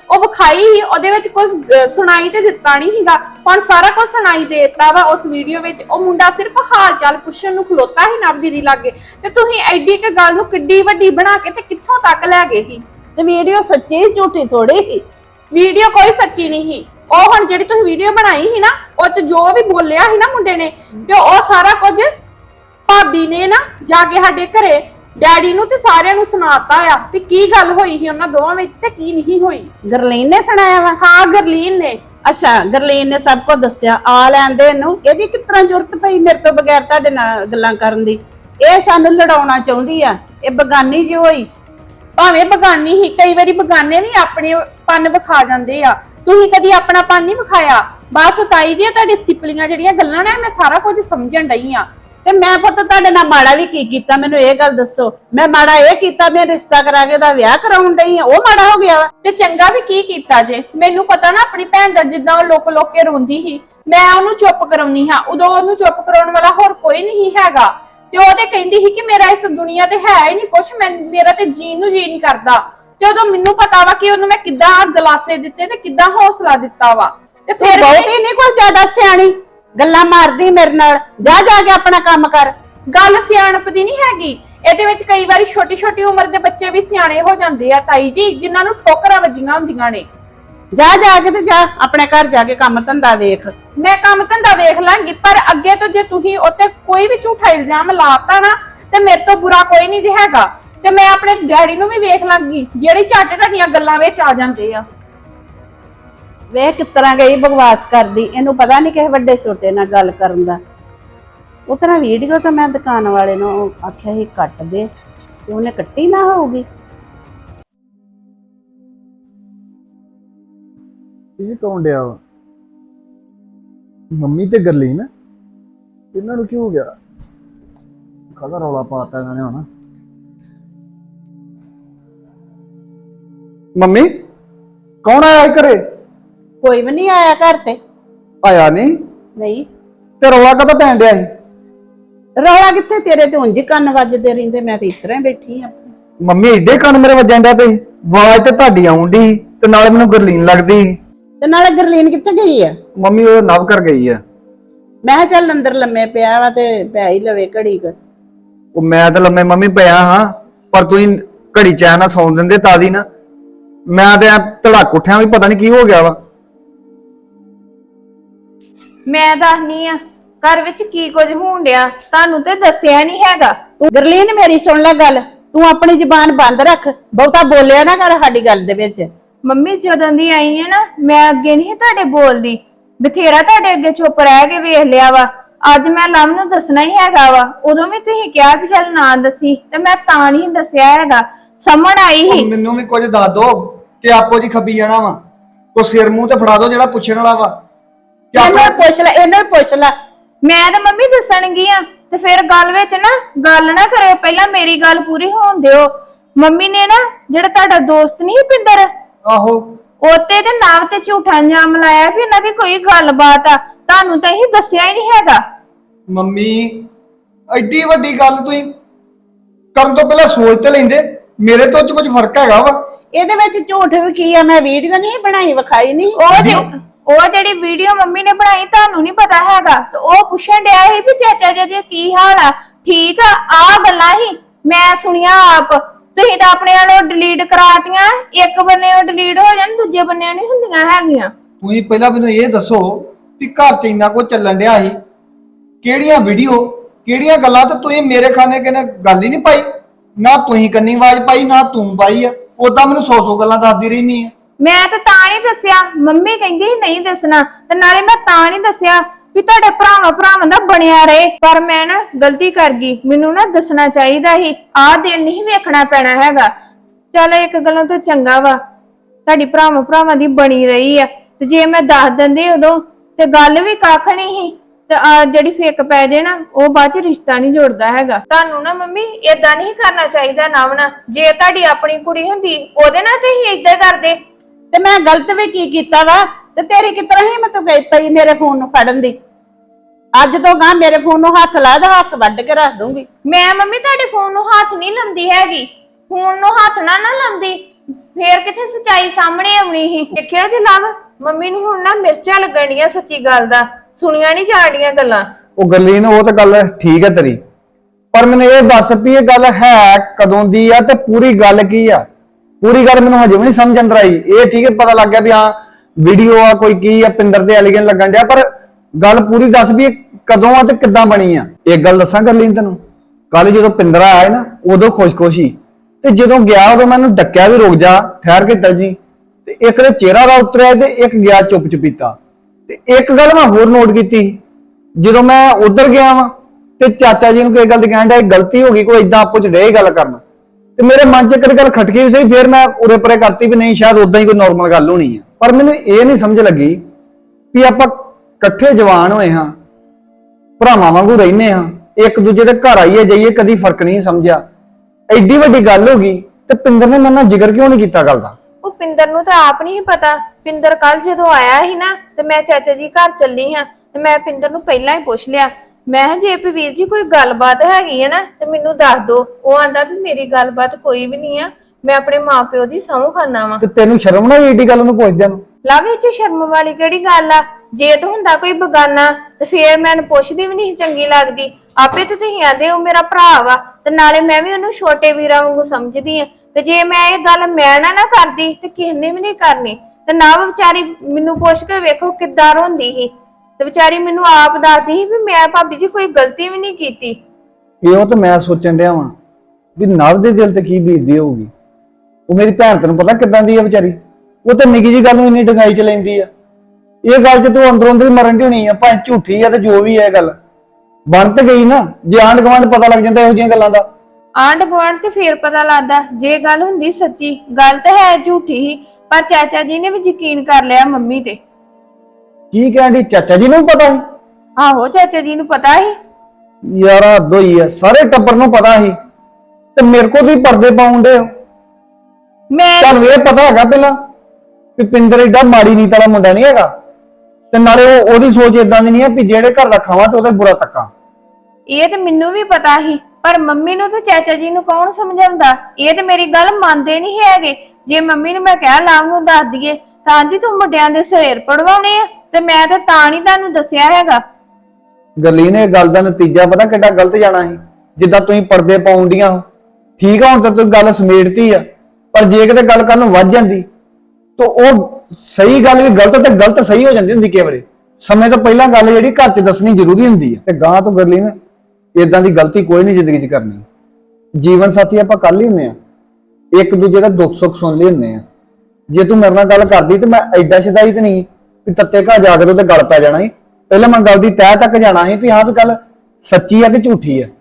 ਉਹ ਵਿਖਾਈ ਹੀ ਉਹਦੇ ਵਿੱਚ ਕੁਝ ਸੁਣਾਈ ਤੇ ਦਿੱਤਾ ਨਹੀਂ ਸੀਗਾ। ਹੁਣ ਸਾਰਾ ਕੁਝ ਸੁਣਾਈ ਦੇ ਦਿੱਤਾ ਵਾ ਉਸ ਵੀਡੀਓ ਵਿੱਚ। ਉਹ ਮੁੰਡਾ ਸਿਰਫ ਹਾਲ ਚਾਲ ਪੁੱਛਣ ਨੂੰ ਖਲੋਤਾ ਸੀ ਨਵ ਦੀਦੀ ਲਾਗੇ, ਤੇ ਤੁਸੀਂ ਐਡੀ ਕਿ ਗੱਲ ਨੂੰ ਕਿੱਡੀ ਵੱਡੀ ਬਣਾ ਕੇ ਤੇ ਕਿੱਥੋਂ ਤੱਕ ਲੈ ਗਏ ਸੀ।
ਤੇ ਵੀਡੀਓ ਸੱਚੀ ਝੂਠੀ ਥੋੜੀ ਸੀ।
ਵੀਡੀਓ ਕੋਈ ਸੱਚੀ ਨਹੀਂ ਸੀ। ਉਹ ਹੁਣ ਜਿਹੜੀ ਤੁਸੀਂ ਵੀਡੀਓ ਬਣਾਈ ਸੀ ਨਾ, ਉਹ ਚ ਜੋ ਵੀ ਬੋਲਿਆ ਸੀ ਨਾ ਮੁੰਡੇ ਨੇ, ਤੇ ਉਹ ਸਾਰਾ ਕੁਝ ਭਾਬੀ ਨੇ ਨਾ ਜਾ ਕੇ ਸਾਡੇ ਘਰੇ ਡੈਡੀ ਨੂੰ ਤੇ ਸਾਰਿਆਂ ਨੂੰ ਸੁਣਾਤਾ ਆ ਵੀ ਕੀ ਗੱਲ ਹੋਈ ਸੀ ਉਹਨਾਂ ਦੋਵਾਂ ਵਿੱਚ ਤੇ ਕੀ ਨਹੀਂ ਹੋਈ।
ਗਰਲੀਨ ਨੇ ਸੁਣਾਇਆ ਵਾ?
ਹਾਂ, ਗਰਲੀਨ ਨੇ।
ਅੱਛਾ, ਗਰਲੀਨ ਨੇ ਸਭ ਕੁਝ ਦੱਸਿਆ। ਆ ਲੈਂਦੇ ਇਹਨੂੰ, ਇਹਦੀ ਕਿਸ ਤਰ੍ਹਾਂ ਜ਼ਰੂਰਤ ਪਈ ਮੇਰੇ ਤੋਂ ਬਗੈਰ ਤੁਹਾਡੇ ਨਾਲ ਗੱਲਾਂ ਕਰਨ ਦੀ? ਇਹ ਸਾਨੂੰ ਲੜਾਉਣਾ ਚਾਹੁੰਦੀ ਆ, ਇਹ ਬਗਾਨੀ ਜਿਹੀ ਹੋਈ।
ਭਾਵੇਂ ਬਗਾਨੀ ਹੀ, ਕਈ ਵਾਰੀ ਬਗਾਨੇ ਵੀ ਆਪਣੇ ਪਨ ਵਿਖਾ ਜਾਂਦੇ ਆ। ਤੁਸੀਂ ਕਦੀ ਆਪਣਾ ਪਨ ਨਹੀਂ ਵਿਖਾਇਆ। ਬਸ ਤਾਈ ਜੀ, ਤੁਹਾਡੀ ਸਿਪਲੀਆਂ ਜਿਹੜੀਆਂ ਗੱਲਾਂ ਨੇ ਮੈਂ ਸਾਰਾ ਕੁਝ ਸਮਝਣ ਡਈ ਆ।
ਤੇ ਮੈਂ ਪੁੱਤ ਤੁਹਾਡੇ ਨਾਲ ਮਾੜਾ ਵੀ ਕੀ ਕੀਤਾ, ਮੈਨੂੰ ਇਹ ਗੱਲ ਦੱਸੋ। ਮੈਂ ਮਾੜਾ ਇਹ ਕੀਤਾ, ਮੈਂ ਰਿਸ਼ਤਾ ਕਰਾ ਕੇ ਉਹਦਾ ਵਿਆਹ ਕਰਾਉਣ ਡਈ ਆ, ਉਹ ਮਾੜਾ ਹੋ ਗਿਆ ਵਾ?
ਤੇ ਚੰਗਾ ਵੀ ਕੀ ਕੀਤਾ ਜੇ? ਮੈਨੂੰ ਪਤਾ ਨਾ ਆਪਣੀ ਭੈਣ ਦਾ ਜਿੱਦਾਂ ਉਹ ਲੁੱਕ ਲੁੱਕ ਕੇ ਰੋਂਦੀ ਸੀ, ਮੈਂ ਉਹਨੂੰ ਚੁੱਪ ਕਰਾਉਣੀ ਹਾਂ। ਉਦੋਂ ਉਹਨੂੰ ਚੁੱਪ ਕਰਾਉਣ ਵਾਲਾ ਹੋਰ ਕੋਈ ਨਹੀਂ ਹੈਗਾ। ਤੇ ਉਹਦੇ ਕਹਿੰਦੀ ਸੀ ਕਿ ਮੇਰਾ ਇਸ ਦੁਨੀਆ ਤੇ ਹੈ ਹੀ ਨਹੀਂ ਕੁਛ, ਮੇਰਾ ਤੇ ਜੀਣ ਨੂੰ ਜੀ ਨਹੀਂ ਕਰਦਾ। ਤੇ ਉਦੋਂ ਮੈਨੂੰ ਪਤਾ ਵਾ ਕਿ ਉਹਨੂੰ ਮੈਂ ਕਿੱਦਾਂ ਦਿਲਾਸੇ ਦਿੱਤੇ ਤੇ ਕਿੱਦਾਂ ਹੌਸਲਾ ਦਿੱਤਾ ਵਾ। ਤੇ ਫਿਰ
ਬਹੁਤੀ ਨਹੀਂ ਕੁਝ ਜ਼ਿਆਦਾ ਸਿਆਣੀ ਗੱਲਾਂ ਮਾਰਦੀ ਮੇਰੇ ਨਾਲ। ਜਾ ਜਾ ਕੇ ਆਪਣਾ ਕੰਮ ਕਰ।
ਗੱਲ ਸਿਆਣਪ ਦੀ ਨਹੀਂ ਹੈਗੀ ਇਹਦੇ ਵਿੱਚ। ਕਈ ਵਾਰੀ ਛੋਟੀ ਛੋਟੀ ਉਮਰ ਦੇ ਬੱਚੇ ਵੀ ਸਿਆਣੇ ਹੋ ਜਾਂਦੇ ਆ ਤਾਈ ਜੀ, ਜਿਨ੍ਹਾਂ ਨੂੰ ਠੋਕਰਾਂ ਵੱਜੀਆਂ ਹੁੰਦੀਆਂ ਨੇ।
ਜਾ ਜਾ ਕੇ ਤੇ ਜਾ ਆਪਣੇ ਘਰ ਜਾ ਕੇ ਕੰਮ ਧੰਦਾ ਵੇਖ।
ਮੈਂ ਕੰਮ ਧੰਦਾ ਵੇਖ ਲਾਂਗੀ, ਪਰ ਅੱਗੇ ਤੋਂ ਜੇ ਤੁਸੀਂ ਉੱਤੇ ਕੋਈ ਵੀ ਝੂਠਾ ਇਲਜ਼ਾਮ ਲਾਤਾ ਨਾ, ਤੇ ਮੇਰੇ ਤੋਂ ਬੁਰਾ ਕੋਈ ਨਹੀਂ ਜੇ ਹੈਗਾ। ਤੇ ਮੈਂ ਆਪਣੇ ਡੈਡੀ ਨੂੰ ਵੀ ਵੇਖ ਲਾਂਗੀ, ਜਿਹੜੀ ਝੱਟ ਢੱਡੀਆਂ ਗੱਲਾਂ ਵਿੱਚ ਆ ਜਾਂਦੇ ਆ।
ਵੇਖ ਕਿਸ ਤਰ੍ਹਾਂ ਗਈ ਬਕਵਾਸ ਕਰਦੀ। ਇਹਨੂੰ ਪਤਾ ਨਹੀਂ ਕਿਸੇ ਵੱਡੇ ਛੋਟੇ ਨਾਲ ਗੱਲ ਕਰਨ ਦਾ। ਉਹ ਤਰ੍ਹਾਂ ਵੀਡੀਓ ਤਾਂ ਮੈਂ ਦੁਕਾਨ ਵਾਲੇ ਨੂੰ ਆਖਿਆ ਸੀ ਕੱਟ ਦੇ, ਤੇ ਉਹਨੇ ਕੱਟੀ ਨਾ ਹੋਊਗੀ।
ਇਹ ਕੌਣ ਡਿਆ ਵਾ? ਮੰਮੀ ਤੇ ਗਰਲੀਨ, ਇਹਨਾਂ ਨੂੰ ਕੀ ਹੋ ਗਿਆ? ਕਾਹਦਾ ਰੌਲਾ ਪਾਤਾ ਇਹਨਾਂ ਨੇ ਹੁਣ? ਮੰਮੀ ਕੌਣ ਆਇਆ ਘਰੇ?
ਕੋਈ ਵੀ ਨਹੀਂ ਆਇਆ ਘਰ ਤੇ।
ਆਇਆ ਨਹੀਂ?
ਨਹੀਂ।
ਤੇ ਰੌਲਾ ਕਾਹਦਾ ਪੈਣ ਡਿਆ ਸੀ?
ਰੌਲਾ ਕਿੱਥੇ, ਤੇਰੇ ਤੇ ਉਂਝ ਹੀ ਕੰਨ ਵੱਜਦੇ ਰਹਿੰਦੇ। ਮੈਂ ਤੇ ਇਸ ਤਰ੍ਹਾਂ ਹੀ ਬੈਠੀ ਆ।
ਮੰਮੀ ਏਡੇ ਕੰਨ ਮੇਰੇ ਵੱਜਣ ਡਿਆ ਪਏ, ਆਵਾਜ਼ ਤੇ ਤੁਹਾਡੀ ਆਉਂਦੀ ਤੇ ਨਾਲ ਮੈਨੂੰ ਗਰਲੀਨ ਲੱਗਦੀ।
ਤੇ ਨਾਲੇ ਗਰਲੀਨ ਕਿੱਥੇ ਗਈ ਆ?
ਮੰਮੀ ਉਹ ਨਵ ਕਰ ਗਈ ਆ।
ਮੈਂ ਕਿਹਾ ਚੱਲ ਅੰਦਰ ਲੰਮੇ ਪਿਆ ਵਾ ਤੇ ਪੈ ਹੀ ਲਵੇ ਘੜੀ ਕੁ।
ਉਹ ਮੈਂ ਤਾਂ ਲੰਮੇ ਮੰਮੀ ਪਿਆ ਹਾਂ, ਪਰ ਤੁਸੀਂ ਘੜੀ ਚੈਨ ਨਾਲ ਸੌਂ ਦਿੰਦੇ ਤਾਦੀ ਨਾ। ਮੈਂ ਤੇ ਧੜਕ ਉੱਠਿਆ ਵੀ ਪਤਾ ਨਹੀਂ ਕੀ ਹੋ ਗਿਆ ਵਾ।
ਮੈਂ ਦੱਸਨੀ ਆ ਘਰ ਵਿੱਚ ਕੀ ਕੁਝ ਹੋਣ ਡਿਆ, ਤੁਹਾਨੂੰ ਤੇ ਦੱਸਿਆ ਨਹੀਂ ਹੈਗਾ।
ਤੂੰ ਗਰਲੀਨ ਮੇਰੀ ਸੁਣ ਲੈ ਗੱਲ, ਤੂੰ ਆਪਣੀ ਜ਼ੁਬਾਨ ਬੰਦ ਰੱਖ, ਬਹੁਤਾ ਬੋਲਿਆ ਨਾ ਕਰ ਸਾਡੀ ਗੱਲ ਦੇ ਵਿੱਚ।
ਮੰਮੀ ਜਦੋਂ ਦੀ ਆਈ ਹੈ ਨਾ, ਮੈਂ ਅੱਗੇ ਨਹੀਂ ਤੁਹਾਡੇ ਬੋਲਦੀ, ਬਥੇਰਾ ਤੁਹਾਡੇ ਅੱਗੇ ਚੁੱਪ ਰਹਿ ਕੇ ਵੇਖ ਲਿਆ ਵਾ। ਅੱਜ ਮੈਂ ਲਵ ਨੂੰ ਦੱਸਣਾ ਹੀ ਹੈਗਾ ਵਾ। ਉਦੋਂ ਵੀ ਤੁਸੀਂ ਕਿਹਾ ਵੀ ਚੱਲ ਨਾ ਦੱਸੀ, ਤੇ ਮੈਂ ਤਾਂ ਨਹੀਂ ਦੱਸਿਆ ਹੈਗਾ। ਸਮਝ ਆਈ ਹੀ।
ਮੈਨੂੰ ਵੀ ਕੁਝ ਦੱਸ ਦੋ ਕਿ ਆਪੋ ਜੀ ਖੱਬੀ ਜਾਣਾ ਵਾ। ਕੋ ਸਿਰ ਮੂੰਹ ਤੇ ਫੜਾ ਦੋ ਜਿਹੜਾ ਪੁੱਛਣ ਵਾਲਾ ਵਾ।
ਇਹਨੂੰ ਪੁੱਛ ਲੈ, ਇਹਨੂੰ ਪੁੱਛ ਲੈ।
ਮੈਂ ਤਾਂ ਮੰਮੀ ਦੱਸਣਗੀ ਆ, ਤੇ ਫਿਰ ਗੱਲ ਵਿੱਚ ਨਾ ਗੱਲ ਨਾ ਕਰਿਓ। ਪਹਿਲਾਂ ਮੇਰੀ ਗੱਲ ਪੂਰੀ ਹੋਣ ਦਿਓ। ਮੰਮੀ ਨੇ ਨਾ ਜਿਹੜਾ ਤੁਹਾਡਾ ਦੋਸਤ ਨਹੀਂ ਪਿੰਦਰ,
ਆਹੋ,
ਉਹਤੇ ਤੇ ਨਾਮ ਤੇ ਝੂਠਾ ਇਲਜ਼ਾਮ ਲਾਇਆ ਵੀ ਇਹਨਾਂ ਦੀ ਕੋਈ ਗੱਲਬਾਤ ਆ। ਤੁਹਾਨੂੰ ਤਾਂ ਇਹ ਦੱਸਿਆ ਹੀ ਨਹੀਂ ਹੈਗਾ।
ਮੰਮੀ ਐਡੀ ਵੱਡੀ ਗੱਲ ਤੁਸੀਂ ਕਰਨ ਤੋਂ ਪਹਿਲਾਂ ਸੋਚ ਤੇ ਲੈਂਦੇ। ਮੇਰੇ ਤੋਂ ਚ ਕੁਝ ਫਰਕ ਹੈਗਾ ਵਾ?
ਇਹਦੇ ਵਿੱਚ ਝੂਠ ਵੀ ਕੀ ਆ? ਮੈਂ ਵੀਡੀਓ ਨਹੀਂ ਬਣਾਈ, ਵਿਖਾਈ ਨਹੀਂ।
ਉਹ ਜਿਹੜੀ ਵੀਡੀਓ ਮੰਮੀ ਨੇ ਬਣਾਈ ਤੁਹਾਨੂੰ ਨਹੀਂ ਪਤਾ ਹੈਗਾ, ਤੇ ਉਹ ਪੁੱਛਣ ਡਿਆ ਸੀ ਵੀ ਚਾਚਾ ਜੀ ਕੀ ਹਾਲ ਆ, ਠੀਕ ਆ? ਆ ਗੱਲਾਂ ਹੀ ਮੈਂ ਸੁਣੀਆਂ ਆਪ। ਤੁਸੀਂ ਤਾਂ ਆਪਣੇ ਵਾਲੋਂ ਡਿਲੀਟ ਕਰਾਤੀਆਂ। ਇੱਕ ਬੰਨੇ ਉਹ ਡਿਲੀਟ ਹੋ ਜਾਣ, ਦੂਜੇ ਬੰਨੇ ਨਹੀਂ ਹੁੰਦੀਆਂ ਹੈਗੀਆਂ।
ਤੁਸੀਂ ਪਹਿਲਾਂ ਮੈਨੂੰ ਇਹ ਦੱਸੋ ਵੀ ਘਰ ਚ ਇੰਨਾ ਕੁਝ ਚੱਲਣ ਡਿਆ ਸੀ, ਕਿਹੜੀਆਂ ਵੀਡੀਓ ਕਿਹੜੀਆਂ ਗੱਲਾਂ, ਤੇ ਤੁਸੀਂ ਮੇਰੇ ਖਾਨੇ ਕਿਨੇ ਗੱਲ ਹੀ ਨਹੀਂ ਪਾਈ। ਨਾ ਤੁਸੀਂ ਕੰਨੀ ਆਵਾਜ਼ ਪਾਈ, ਨਾ ਤੂੰ ਪਾਈ ਆ। ਉਦਾਂ ਮੈਨੂੰ 100 ਗੱਲਾਂ ਦੱਸਦੀ ਰਹਿਨੀ ਆ।
ਮੈਂ ਤਾਂ ਨਹੀਂ ਦੱਸਿਆ। ਮੰਮੀ ਕਹਿੰਦੀ ਨਹੀਂ ਦੱਸਣਾ, ਤੇ ਨਾਲੇ ਮੈਂ ਤਾਂ ਨਹੀਂ ਦੱਸਿਆ ਵੀ ਤੁਹਾਡੇ ਭਰਾਵਾਂ ਦਾ ਬਣਿਆ ਰਹੇ। ਪਰ ਮੈਂ ਨਾ ਗਲਤੀ ਕਰ ਗਈ, ਮੈਨੂੰ ਨਾ ਦੱਸਣਾ ਚਾਹੀਦਾ ਸੀ। ਆਹ ਦਿਨ ਨਹੀਂ ਵੇਖਣਾ ਪੈਣਾ ਹੈਗਾ। ਚੱਲ ਇੱਕ ਗੱਲੋਂ ਤਾਂ ਚੰਗਾ ਵਾ, ਤੁਹਾਡੀ ਭਰਾਵਾਂ ਦੀ ਬਣੀ ਰਹੀ ਆ। ਤੇ ਜੇ ਮੈਂ ਦੱਸ ਦਿੰਦੀ ਉਦੋਂ, ਤੇ ਗੱਲ ਵੀ ਕੱਖ ਨਹੀਂ ਸੀ। ਤੇ ਆ ਜਿਹੜੀ ਫੇਕ ਪੈ ਜੇ ਨਾ, ਉਹ ਬਾਅਦ ਚ ਰਿਸ਼ਤਾ ਨਹੀਂ ਜੋੜਦਾ ਹੈਗਾ। ਤੁਹਾਨੂੰ ਨਾ ਮੰਮੀ ਏਦਾਂ ਨਹੀਂ ਕਰਨਾ ਚਾਹੀਦਾ ਨਾ। ਜੇ ਤੁਹਾਡੀ ਆਪਣੀ ਕੁੜੀ ਹੁੰਦੀ, ਉਹਦੇ ਨਾਲ ਤੇ ਹੀ ਏਦਾਂ ਕਰਦੇ।
ਤੇ ਮੈਂ ਗਲਤ ਵੀ ਕੀ ਕੀਤਾ ਵਾ? ਤੇ ਤੇਰੀ ਕਿਸ ਤਰ੍ਹਾਂ ਹੀ ਮਤਲਬ ਪਈ ਮੇਰੇ ਫੋਨ ਨੂੰ ਫੜਨ ਦੀ? ਅੱਜ ਤੋਂ ਗਾਂ ਮੇਰੇ ਫੋਨ ਨੂੰ ਹੱਥ ਲਾ ਦੇ, ਹੱਥ ਵੱਢ ਕੇ ਰੱਖ ਦੂੰਗੀ।
ਮੈਂ ਮੰਮੀ ਤੁਹਾਡੇ ਫੋਨ ਨੂੰ ਹੱਥ ਨਹੀਂ ਲਾਉਂਦੀ ਹੈਗੀ। ਫੋਨ ਨੂੰ ਹੱਥ ਨਾ ਲਾਉਂਦੀ। ਫੇਰ ਕਿੱਥੇ ਸੱਚਾਈ ਸਾਹਮਣੇ ਆਉਣੀ ਸੀ। ਦੇਖਿਆ ਜੀ ਲਵ, ਮੰਮੀ ਨੂੰ ਹੁਣ ਨਾ ਮਿਰਚਾਂ ਲੱਗਣੀਆਂ ਸੱਚੀ ਗੱਲ ਦਾ, ਸੁਣੀਆਂ ਨਹੀਂ ਜਾਣੀਆਂ ਗੱਲਾਂ।
ਉਹ ਗਰਲੀਨ ਉਹ ਤਾਂ ਗੱਲ ਠੀਕ ਹੈ ਤੇਰੀ, ਪਰ ਮੈਨੂੰ ਇਹ ਦੱਸ ਵੀ ਇਹ ਗੱਲ ਹੈ ਕਦੋਂ ਦੀ ਆ ਤੇ ਪੂਰੀ ਗੱਲ ਕੀ ਆ? ਪੂਰੀ ਗੱਲ ਮੈਨੂੰ ਹਜੇ ਵੀ ਨਹੀਂ ਸਮਝ ਅੰਦਰ ਆਈ। ਇਹ ਠੀਕ ਹੈ ਪਤਾ ਲੱਗ ਗਿਆ ਵੀ ਹਾਂ ਵੀਡੀਓ ਆ ਕੋਈ ਕੀ ਆ, ਪਿੰਦਰ ਦੇ ਐਲੀਗਨ ਲੱਗਣ ਡਿਆ, ਪਰ ਗੱਲ ਪੂਰੀ ਦੱਸ ਵੀ ਇਹ ਕਦੋਂ ਆ ਤੇ ਕਿੱਦਾਂ ਬਣੀ ਆ? ਇੱਕ ਗੱਲ ਦੱਸਾਂ ਗਰਲੀਨ ਤੈਨੂੰ, ਕੱਲ ਜਦੋਂ ਪਿੰਦਰ ਆਇਆ ਨਾ ਉਦੋਂ ਖੁਸ਼ ਸੀ, ਤੇ ਜਦੋਂ ਗਿਆ ਉਦੋਂ ਮੈਨੂੰ ਡੱਕਿਆ ਵੀ ਰੁਕ ਜਾ ਠਹਿਰ ਕੇ ਚੱਲ ਜੀ, ਤੇ ਇੱਕ ਦੇ ਚਿਹਰਾ ਦਾ ਉਤਰਿਆ ਤੇ ਇੱਕ ਗਿਆ ਚੁੱਪ ਚਪੀਤਾ। ਤੇ ਇੱਕ ਗੱਲ ਮੈਂ ਹੋਰ ਨੋਟ ਕੀਤੀ, ਜਦੋਂ ਮੈਂ ਉਧਰ ਗਿਆ ਵਾਂ ਤੇ ਚਾਚਾ ਜੀ ਨੂੰ ਕੋਈ ਗੱਲ ਦੀ ਕਹਿਣ ਡਿਆ ਗਲਤੀ ਹੋ ਗਈ, ਕੋਈ ਇਦਾਂ ਆਪੋ ਚ ਡੇ ਗੱਲ ਕਰਨ, ਤੇ ਮੇਰੇ ਮਨ ਚ ਇੱਕ ਗੱਲ ਖਟਕੀ ਵੀ ਸਹੀ, ਫਿਰ ਮੈਂ ਉਰੇ ਪਰੇ ਕਰਤੀ ਵੀ ਨਹੀਂ ਸ਼ਾਇਦ ਉਦਾਂ ਹੀ ਕੋਈ ਨਾਰਮਲ ਗੱਲ ਹੋਣੀ ਆ। ਪਰ ਮੈਨੂੰ ਇਹ ਨਹੀਂ ਸਮਝ ਲੱਗੀ ਵੀ ਆਪਾਂ ਇਕੱਠੇ ਜਵਾਨ ਹੋਏ ਹਾਂ, ਭਰਾਵਾਂ ਵਾਂਗੂ ਰਹਿੰਦੇ ਹਾਂ, ਇੱਕ ਦੂਜੇ ਦੇ ਘਰ ਆਈਏ ਜਾਈਏ, ਕਦੀ ਫਰਕ ਨਹੀਂ ਸਮਝਿਆ। ਐਡੀ ਵੱਡੀ ਗੱਲ ਹੋ ਗਈ ਤੇ ਪਿੰਦਰ ਨੇ ਮੇਰੇ ਨਾਲ ਜ਼ਿਕਰ ਕਿਉਂ ਨਹੀਂ ਕੀਤਾ ਗੱਲ ਦਾ?
ਉਹ ਪਿੰਦਰ ਨੂੰ ਤਾਂ ਆਪ ਨਹੀਂ ਪਤਾ। ਪਿੰਦਰ ਕੱਲ ਜਦੋਂ ਆਇਆ ਸੀ ਨਾ ਤੇ ਮੈਂ ਚਾਚਾ ਜੀ ਘਰ ਚੱਲੀ ਹਾਂ ਤੇ ਮੈਂ ਪਿੰਦਰ ਨੂੰ ਪਹਿਲਾਂ ਹੀ ਪੁੱਛ ਲਿਆ, ਮੈਂ ਕਿਹਾ ਜੇ ਵੀਰ ਜੀ ਕੋਈ ਗੱਲਬਾਤ ਹੈਗੀ ਹੈ ਨਾ ਤੇ ਮੈਨੂੰ ਦੱਸ ਦੋ। ਉਹ ਆਂਦਾ ਵੀ ਮੇਰੀ ਗੱਲਬਾਤ ਕੋਈ ਵੀ ਨਹੀਂ ਆ, ਮੈਂ ਆਪਣੇ ਮਾਪਿਓ ਦੀ ਸਹੁੰ ਖਾਨਾ ਵਾ।
ਤੇ ਤੈਨੂੰ ਸ਼ਰਮ ਨਾ ਆਈ ਏਡੀ ਗੱਲ ਨੂੰ ਪੁੱਛਦਿਆਂ ਨੂੰ?
ਲਵ ਇਹ ਚ ਸ਼ਰਮ ਵਾਲੀ ਕਿਹੜੀ ਗੱਲ ਆ? ਜੇ ਤਾਂ ਹੁੰਦਾ ਕੋਈ ਬਗਾਨਾ ਤੇ ਫੇਰ ਮੈਨੂੰ ਪੁੱਛਦੀ ਵੀ ਨਹੀਂ ਚੰਗੀ ਲੱਗਦੀ। ਆਪੇ ਤੇ ਤੁਸੀਂ ਆਂਦੇ ਹੋ ਮੇਰਾ ਭਰਾ ਵਾ, ਤੇ ਨਾਲੇ ਮੈਂ ਵੀ ਉਹਨੂੰ ਛੋਟੇ ਵੀਰਾਂ ਵਾਂਗੂ ਸਮਝਦੀ ਆ। ਤੇ ਜੇ ਮੈਂ ਇਹ ਗੱਲ ਮੈਂ ਨਾ ਕਰਦੀ ਤੇ ਕਿਸੇ ਨੇ ਵੀ ਨਹੀਂ ਕਰਨੀ। ਤੇ ਨਾ ਵਿਚਾਰੀ ਮੈਨੂੰ ਪੁੱਛ ਕੇ ਵੇਖੋ ਕਿੱਦਾਂ ਰੋਂਦੀ ਸੀ, ਤੇ ਵਿਚਾਰੀ ਮੈਨੂੰ ਆਪ ਦੱਸਦੀ ਸੀ ਵੀ ਮੈਂ ਭਾਬੀ ਜੀ ਕੋਈ ਗਲਤੀ ਵੀ ਨਹੀਂ ਕੀਤੀ।
ਇਹੋ ਤਾਂ ਮੈਂ ਸੋਚਣ ਡਿਆ ਵਾਂ ਵੀ ਨਵ ਦੇ ਦਿਲ ਤੇ ਕੀ ਬੀਤਦੀ ਹੋਊਗੀ। ਉਹ ਮੇਰੀ ਭੈਣ ਤੈਨੂੰ ਪਤਾ ਕਿੱਦਾਂ ਦੀ ਆ ਵਿਚਾਰੀ, ਉਹ ਤਾਂ ਨਿੱਕੀ ਜੀ ਗੱਲ ਨੂੰ ਇੰਨੀ ਡੰਗਾਈ ਚ ਲੈਂਦੀ ਆ। ਇਹ ਗੱਲ ਚ ਤੂੰ ਅੰਦਰੋਂ ਅੰਦਰ ਮਰਨ ਦੀ ਹੋਣੀ ਆ, ਭਾਵੇਂ ਝੂਠੀ ਆ ਤੇ ਜੋ ਵੀ ਹੈ ਗੱਲ ਬਣ ਤੇ ਗਈ ਨਾ। ਜੇ ਆਂਢ ਗੁਆਂਢ ਪਤਾ ਲੱਗ ਜਾਂਦਾ ਇਹੋ ਜਿਹੀਆਂ ਗੱਲਾਂ ਦਾ,
ਆਂਢ ਗੁਆਂਢ ਤੇ ਫੇਰ ਪਤਾ ਲੱਗਦਾ ਜੇ ਗੱਲ ਹੁੰਦੀ ਸੱਚੀ। ਗੱਲ ਤਾਂ ਹੈ ਝੂਠੀ ਹੀ, ਪਰ ਚਾਚਾ ਜੀ ਨੇ ਵੀ ਯਕੀਨ ਕਰ ਲਿਆ ਮੰਮੀ ਤੇ।
ਕੀ ਕਹਿੰਦੀ? ਚਾਚਾ ਜੀ ਨੂੰ ਵੀ ਪਤਾ ਸੀ?
ਆਹੋ ਚਾਚਾ ਜੀ ਨੂੰ ਪਤਾ ਸੀ।
ਯਾਰ ਹੱਦ ਹੋਈ ਆ, ਸਾਰੇ ਟੱਬਰ ਨੂੰ ਪਤਾ ਸੀ ਤੇ ਮੇਰੇ ਕੋਲ ਵੀ ਪਰਦੇ ਪਾਉਂਦੇ ਹੋ।
ਮੈਂ
ਤੁਹਾਨੂੰ ਇਹ ਪਤਾ ਹੈਗਾ ਪਹਿਲਾਂ ਕਿ ਪਿੰਦਰ ਏਡਾ ਮਾੜੀ ਨੀਤ ਵਾਲਾ ਮੁੰਡਾ ਨਹੀਂ ਹੈਗਾ, ਤੇ ਨਾਲੇ ਉਹਦੀ ਸੋਚ ਇਦਾਂ ਦੀ ਨਹੀਂ ਆ ਵੀ ਜਿਹੜੇ ਘਰ ਦਾ ਖਾਵਾਂ ਤੇ ਉਹਦੇ ਬੁਰਾ ਤੱਕਾਂ।
ਇਹ ਤੇ ਮੈਨੂੰ ਵੀ ਪਤਾ ਸੀ, ਪਰ ਮੰਮੀ ਨੂੰ ਤੇ ਚਾਚਾ ਜੀ ਨੂੰ ਕੌਣ ਸਮਝਾਉਂਦਾ? ਇਹ ਤੇ ਮੇਰੀ ਗੱਲ ਮੰਨਦੇ ਨਹੀਂ ਹੈਗੇ। ਜੇ ਮੰਮੀ ਨੂੰ ਮੈਂ ਕਹਿ ਲਾਂਗ ਨੂੰ ਦੱਸ ਦਈਏ ਤਾਂ ਜੀ ਤੂੰ ਮੁੰਡਿਆਂ ਦੇ ਸਿਰ ਪੜਵਾਉਣੇ ਆ, ਤੇ ਮੈਂ ਤੇ ਤਾਂ ਨਹੀਂ ਤੁਹਾਨੂੰ ਦੱਸਿਆ ਹੈਗਾ।
ਗਰਲੀਨ ਇਹ ਗੱਲ ਦਾ ਨਤੀਜਾ ਪਤਾ ਕਿੱਡਾ ਗਲਤ ਜਾਣਾ ਸੀ, ਜਿੱਦਾਂ ਤੁਸੀਂ ਪਰਦੇ ਪਾਉਂਦੀਆਂ ਹੋ। ਠੀਕ ਆ ਹੁਣ ਤਾਂ ਤੁਸੀਂ ਗੱਲ ਸਮੇਟਤੀ ਆ, ਪਰ ਜੇ ਕਿਤੇ ਗੱਲ ਕੱਲ ਨੂੰ ਵੱਧ ਜਾਂਦੀ ਤਾਂ ਉਹ ਸਹੀ ਗੱਲ ਵੀ ਗਲਤ ਤੇ ਗਲਤ ਸਹੀ ਹੋ ਜਾਂਦੀ ਹੁੰਦੀ। ਕਈ ਵਾਰੀ ਸਮੇਂ ਤੋਂ ਪਹਿਲਾਂ ਗੱਲ ਜਿਹੜੀ ਘਰ 'ਚ ਦੱਸਣੀ ਜ਼ਰੂਰੀ ਹੁੰਦੀ ਹੈ। ਤੇ ਗਾਂ ਤੋਂ ਗਰਲੀਨ ਇਦਾਂ ਦੀ ਗਲਤੀ ਕੋਈ ਨਹੀਂ ਜ਼ਿੰਦਗੀ 'ਚ ਕਰਨੀ। ਜੀਵਨ ਸਾਥੀ ਆਪਾਂ ਕੱਲ ਹੀ ਹੁੰਦੇ ਆ, ਇੱਕ ਦੂਜੇ ਦਾ ਦੁੱਖ ਸੁੱਖ ਸੁਣ ਲਈ ਹੁੰਦੇ ਆ। ਜੇ ਤੂੰ ਮੇਰੇ ਨਾਲ ਗੱਲ ਕਰਦੀ ਤੇ ਮੈਂ ਐਡਾ ਸ਼ਦਾਈ ਤੇ ਨਹੀਂ ਕਿ ਤੱਤੇ ਘਰ ਜਾ ਕੇ ਤੇ ਗੱਲ ਪੈ ਜਾਣਾ ਸੀ। ਪਹਿਲਾਂ ਮੈਂ ਗੱਲ ਦੀ ਤਹਿ ਤੱਕ ਜਾਣਾ ਸੀ ਵੀ ਹਾਂ ਵੀ ਗੱਲ ਸੱਚੀ ਆ ਕਿ ਝੂਠੀ ਆ।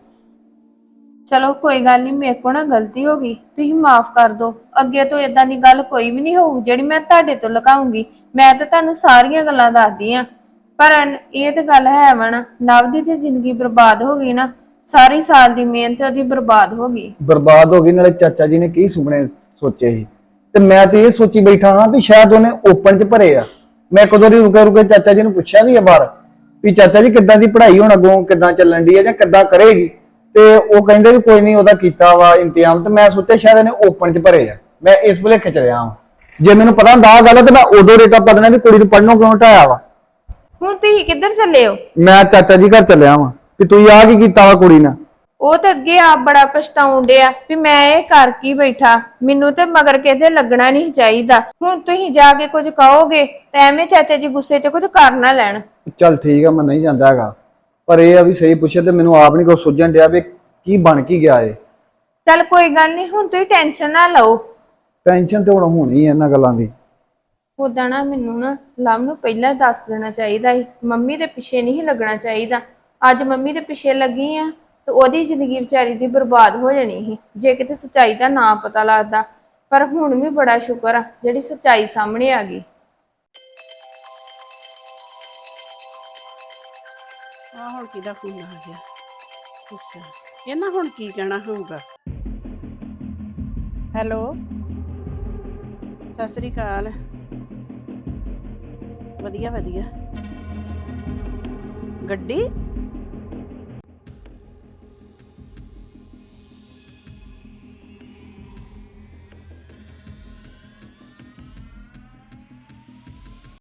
ਚਲੋ ਕੋਈ ਗੱਲ ਨਹੀਂ, ਮੇਰੇ ਕੋਲ ਨਾ ਗਲਤੀ ਹੋ ਗਈ, ਤੁਸੀਂ ਮਾਫ ਕਰ ਦਿਓ। ਅੱਗੇ ਤੋਂ ਇਦਾਂ ਦੀ ਗੱਲ ਕੋਈ ਵੀ ਨਹੀਂ ਹੋਊ ਜਿਹੜੀ ਮੈਂ ਤੁਹਾਡੇ ਤੋਂ ਲੁਕਾਉਂਗੀ। ਮੈਂ ਤਾਂ ਤੁਹਾਨੂੰ ਸਾਰੀਆਂ ਗੱਲਾਂ ਦੱਸਦੀ ਆ, ਪਰ ਇਹ ਤੇ ਗੱਲ ਹੈ ਵਾ ਨਾ, ਨਵ ਦੀ ਤੇ ਜ਼ਿੰਦਗੀ ਬਰਬਾਦ ਹੋ ਗਈ ਨਾ, ਸਾਰੀ ਸਾਲ ਦੀ ਮਿਹਨਤ ਉਹਦੀ ਬਰਬਾਦ ਹੋ ਗਈ।
ਬਰਬਾਦ ਹੋ ਗਈ, ਨਾਲੇ ਚਾਚਾ ਜੀ ਨੇ ਕੀ ਸੁਪਨੇ ਸੋਚੇ ਸੀ ਤੇ ਮੈਂ ਤੇ ਇਹ ਸੋਚੀ ਬੈਠਾ ਹਾਂ ਵੀ ਸ਼ਾਇਦ ਉਹਨੇ ਓਪਨ 'ਚ ਭਰੇ ਆ। ਮੈਂ ਕਦੋਂ ਦੀ ਰੁਕੇ ਚਾਚਾ ਜੀ ਨੂੰ ਪੁੱਛਿਆ ਵੀ ਆ ਬਾਹਰ ਵੀ ਚਾਚਾ ਜੀ ਕਿੱਦਾਂ ਦੀ ਪੜ੍ਹਾਈ ਹੁਣ ਅੱਗੋਂ ਕਿੱਦਾਂ ਚੱਲਣ ਦੀ ਹੈ ਜਾਂ ਕਿੱਦਾਂ ਕਰੇਗੀ, ਤੇ ਉਹ ਕਹਿੰਦੇ ਵੀ ਕੋਈ ਨਹੀਂ ਉਹਦਾ ਕੀਤਾ ਵਾ ਇੰਤਜ਼ਾਮ। ਤੇ ਮੈਂ ਸੋਚਿਆ ਸ਼ਾਇਦ ਇਹਨੇ ਓਪਨ 'ਚ ਭਰੇ ਆ। ਮੈਂ ਇਸ ਭੁਲੇਖੇ 'ਚ ਰਿਹਾ ਹਾਂ। ਜੇ ਮੈਨੂੰ ਪਤਾ ਹੁੰਦਾ ਆ ਗੱਲ ਤੇ ਮੈਂ ਉਦੋਂ ਰੇਟਾ ਪਾ ਦੇਣਾ ਵੀ ਕੁੜੀ ਨੂੰ ਪੜ੍ਹਨੋਂ ਕਿਉਂ ਹਟਾਇਆ ਵਾ।
ਹੁਣ ਤੁਸੀਂ ਕਿੱਧਰ ਚੱਲੇ ਹੋ?
ਮੈਂ ਚਾਚਾ ਜੀ ਘਰ ਚੱਲਿਆ ਵਾਂ ਵੀ ਤੁਸੀਂ ਆ ਕੀ ਕੀਤਾ ਵਾ ਕੁੜੀ ਨਾਲ।
ਉਹ ਤਾਂ ਅੱਗੇ ਆਪ ਬੜਾ ਪਛਤਾਉਣ ਡਿਆ ਵੀ ਮੈਂ ਇਹ ਕਰ ਕੀ ਬੈਠਾ, ਮੈਨੂੰ ਤੇ ਮਗਰ ਕਿਤੇ ਲੱਗਣਾ ਨਹੀਂ ਚਾਹੀਦਾ। ਹੁਣ ਤੁਸੀਂ ਜਾ ਕੇ ਕੁਝ ਕਹੋਗੇ ਤੇ ਐਵੇਂ ਚਾਚਾ ਜੀ ਗੁੱਸੇ 'ਚ ਕੁਝ ਕਰ ਨਾ ਲੈਣ।
ਚੱਲ ਠੀਕ ਆ, ਮੈਂ ਨਹੀਂ ਜਾਂਦਾ ਹੈਗਾ, ਪਰ ਇਹ ਆ ਵੀ ਸਹੀ ਪੁੱਛਿਆ ਤੇ ਮੈਨੂੰ ਆਪ ਨਹੀਂ ਕੁਛ ਸੁਝਣ ਡਿਆ ਵੀ ਕੀ ਬਣ ਕੀ ਗਿਆ ਏ।
ਚੱਲ ਕੋਈ ਗੱਲ ਨਹੀਂ, ਹੁਣ ਤੁਸੀਂ ਟੈਨਸ਼ਨ ਨਾ ਲਓ।
ਟੈਨਸ਼ਨ ਤੇ ਹੁਣ ਹੋਣੀ ਹੈ ਇਹਨਾਂ ਗੱਲਾਂ ਦੀ।
ਉਦਾਂ ਨਾ ਮੈਨੂੰ ਨਾ ਲਵ ਨੂੰ ਪਹਿਲਾਂ ਦੱਸ ਦੇਣਾ ਚਾਹੀਦਾ ਸੀ, ਮੰਮੀ ਦੇ ਪਿੱਛੇ ਨਹੀਂ ਲੱਗਣਾ ਚਾਹੀਦਾ। ਅੱਜ ਮੰਮੀ ਦੇ ਪਿੱਛੇ ਲੱਗੀ ਆ ਤੇ ਉਹਦੀ ਜ਼ਿੰਦਗੀ ਵਿਚਾਰੀ ਦੀ ਬਰਬਾਦ ਹੋ ਜਾਣੀ ਸੀ ਜੇ ਕਿਤੇ ਸੱਚਾਈ ਦਾ ਨਾ ਪਤਾ ਲੱਗਦਾ। ਪਰ ਹੁਣ ਵੀ ਬੜਾ ਸ਼ੁਕਰ ਆ ਜਿਹੜੀ ਸੱਚਾਈ ਸਾਹਮਣੇ ਆ ਗਈ।
ਆ ਹੁਣ ਕਿਹਦਾ ਫੋਨ ਆ ਗਿਆ? ਅੱਛਾ, ਇਹਨਾਂ ਹੁਣ ਕੀ ਕਹਿਣਾ ਹੋਊਗਾ? ਹੈਲੋ, ਸਤਿ ਸ੍ਰੀ ਅਕਾਲ। ਵਧੀਆ ਵਧੀਆ। ਗੱਡੀ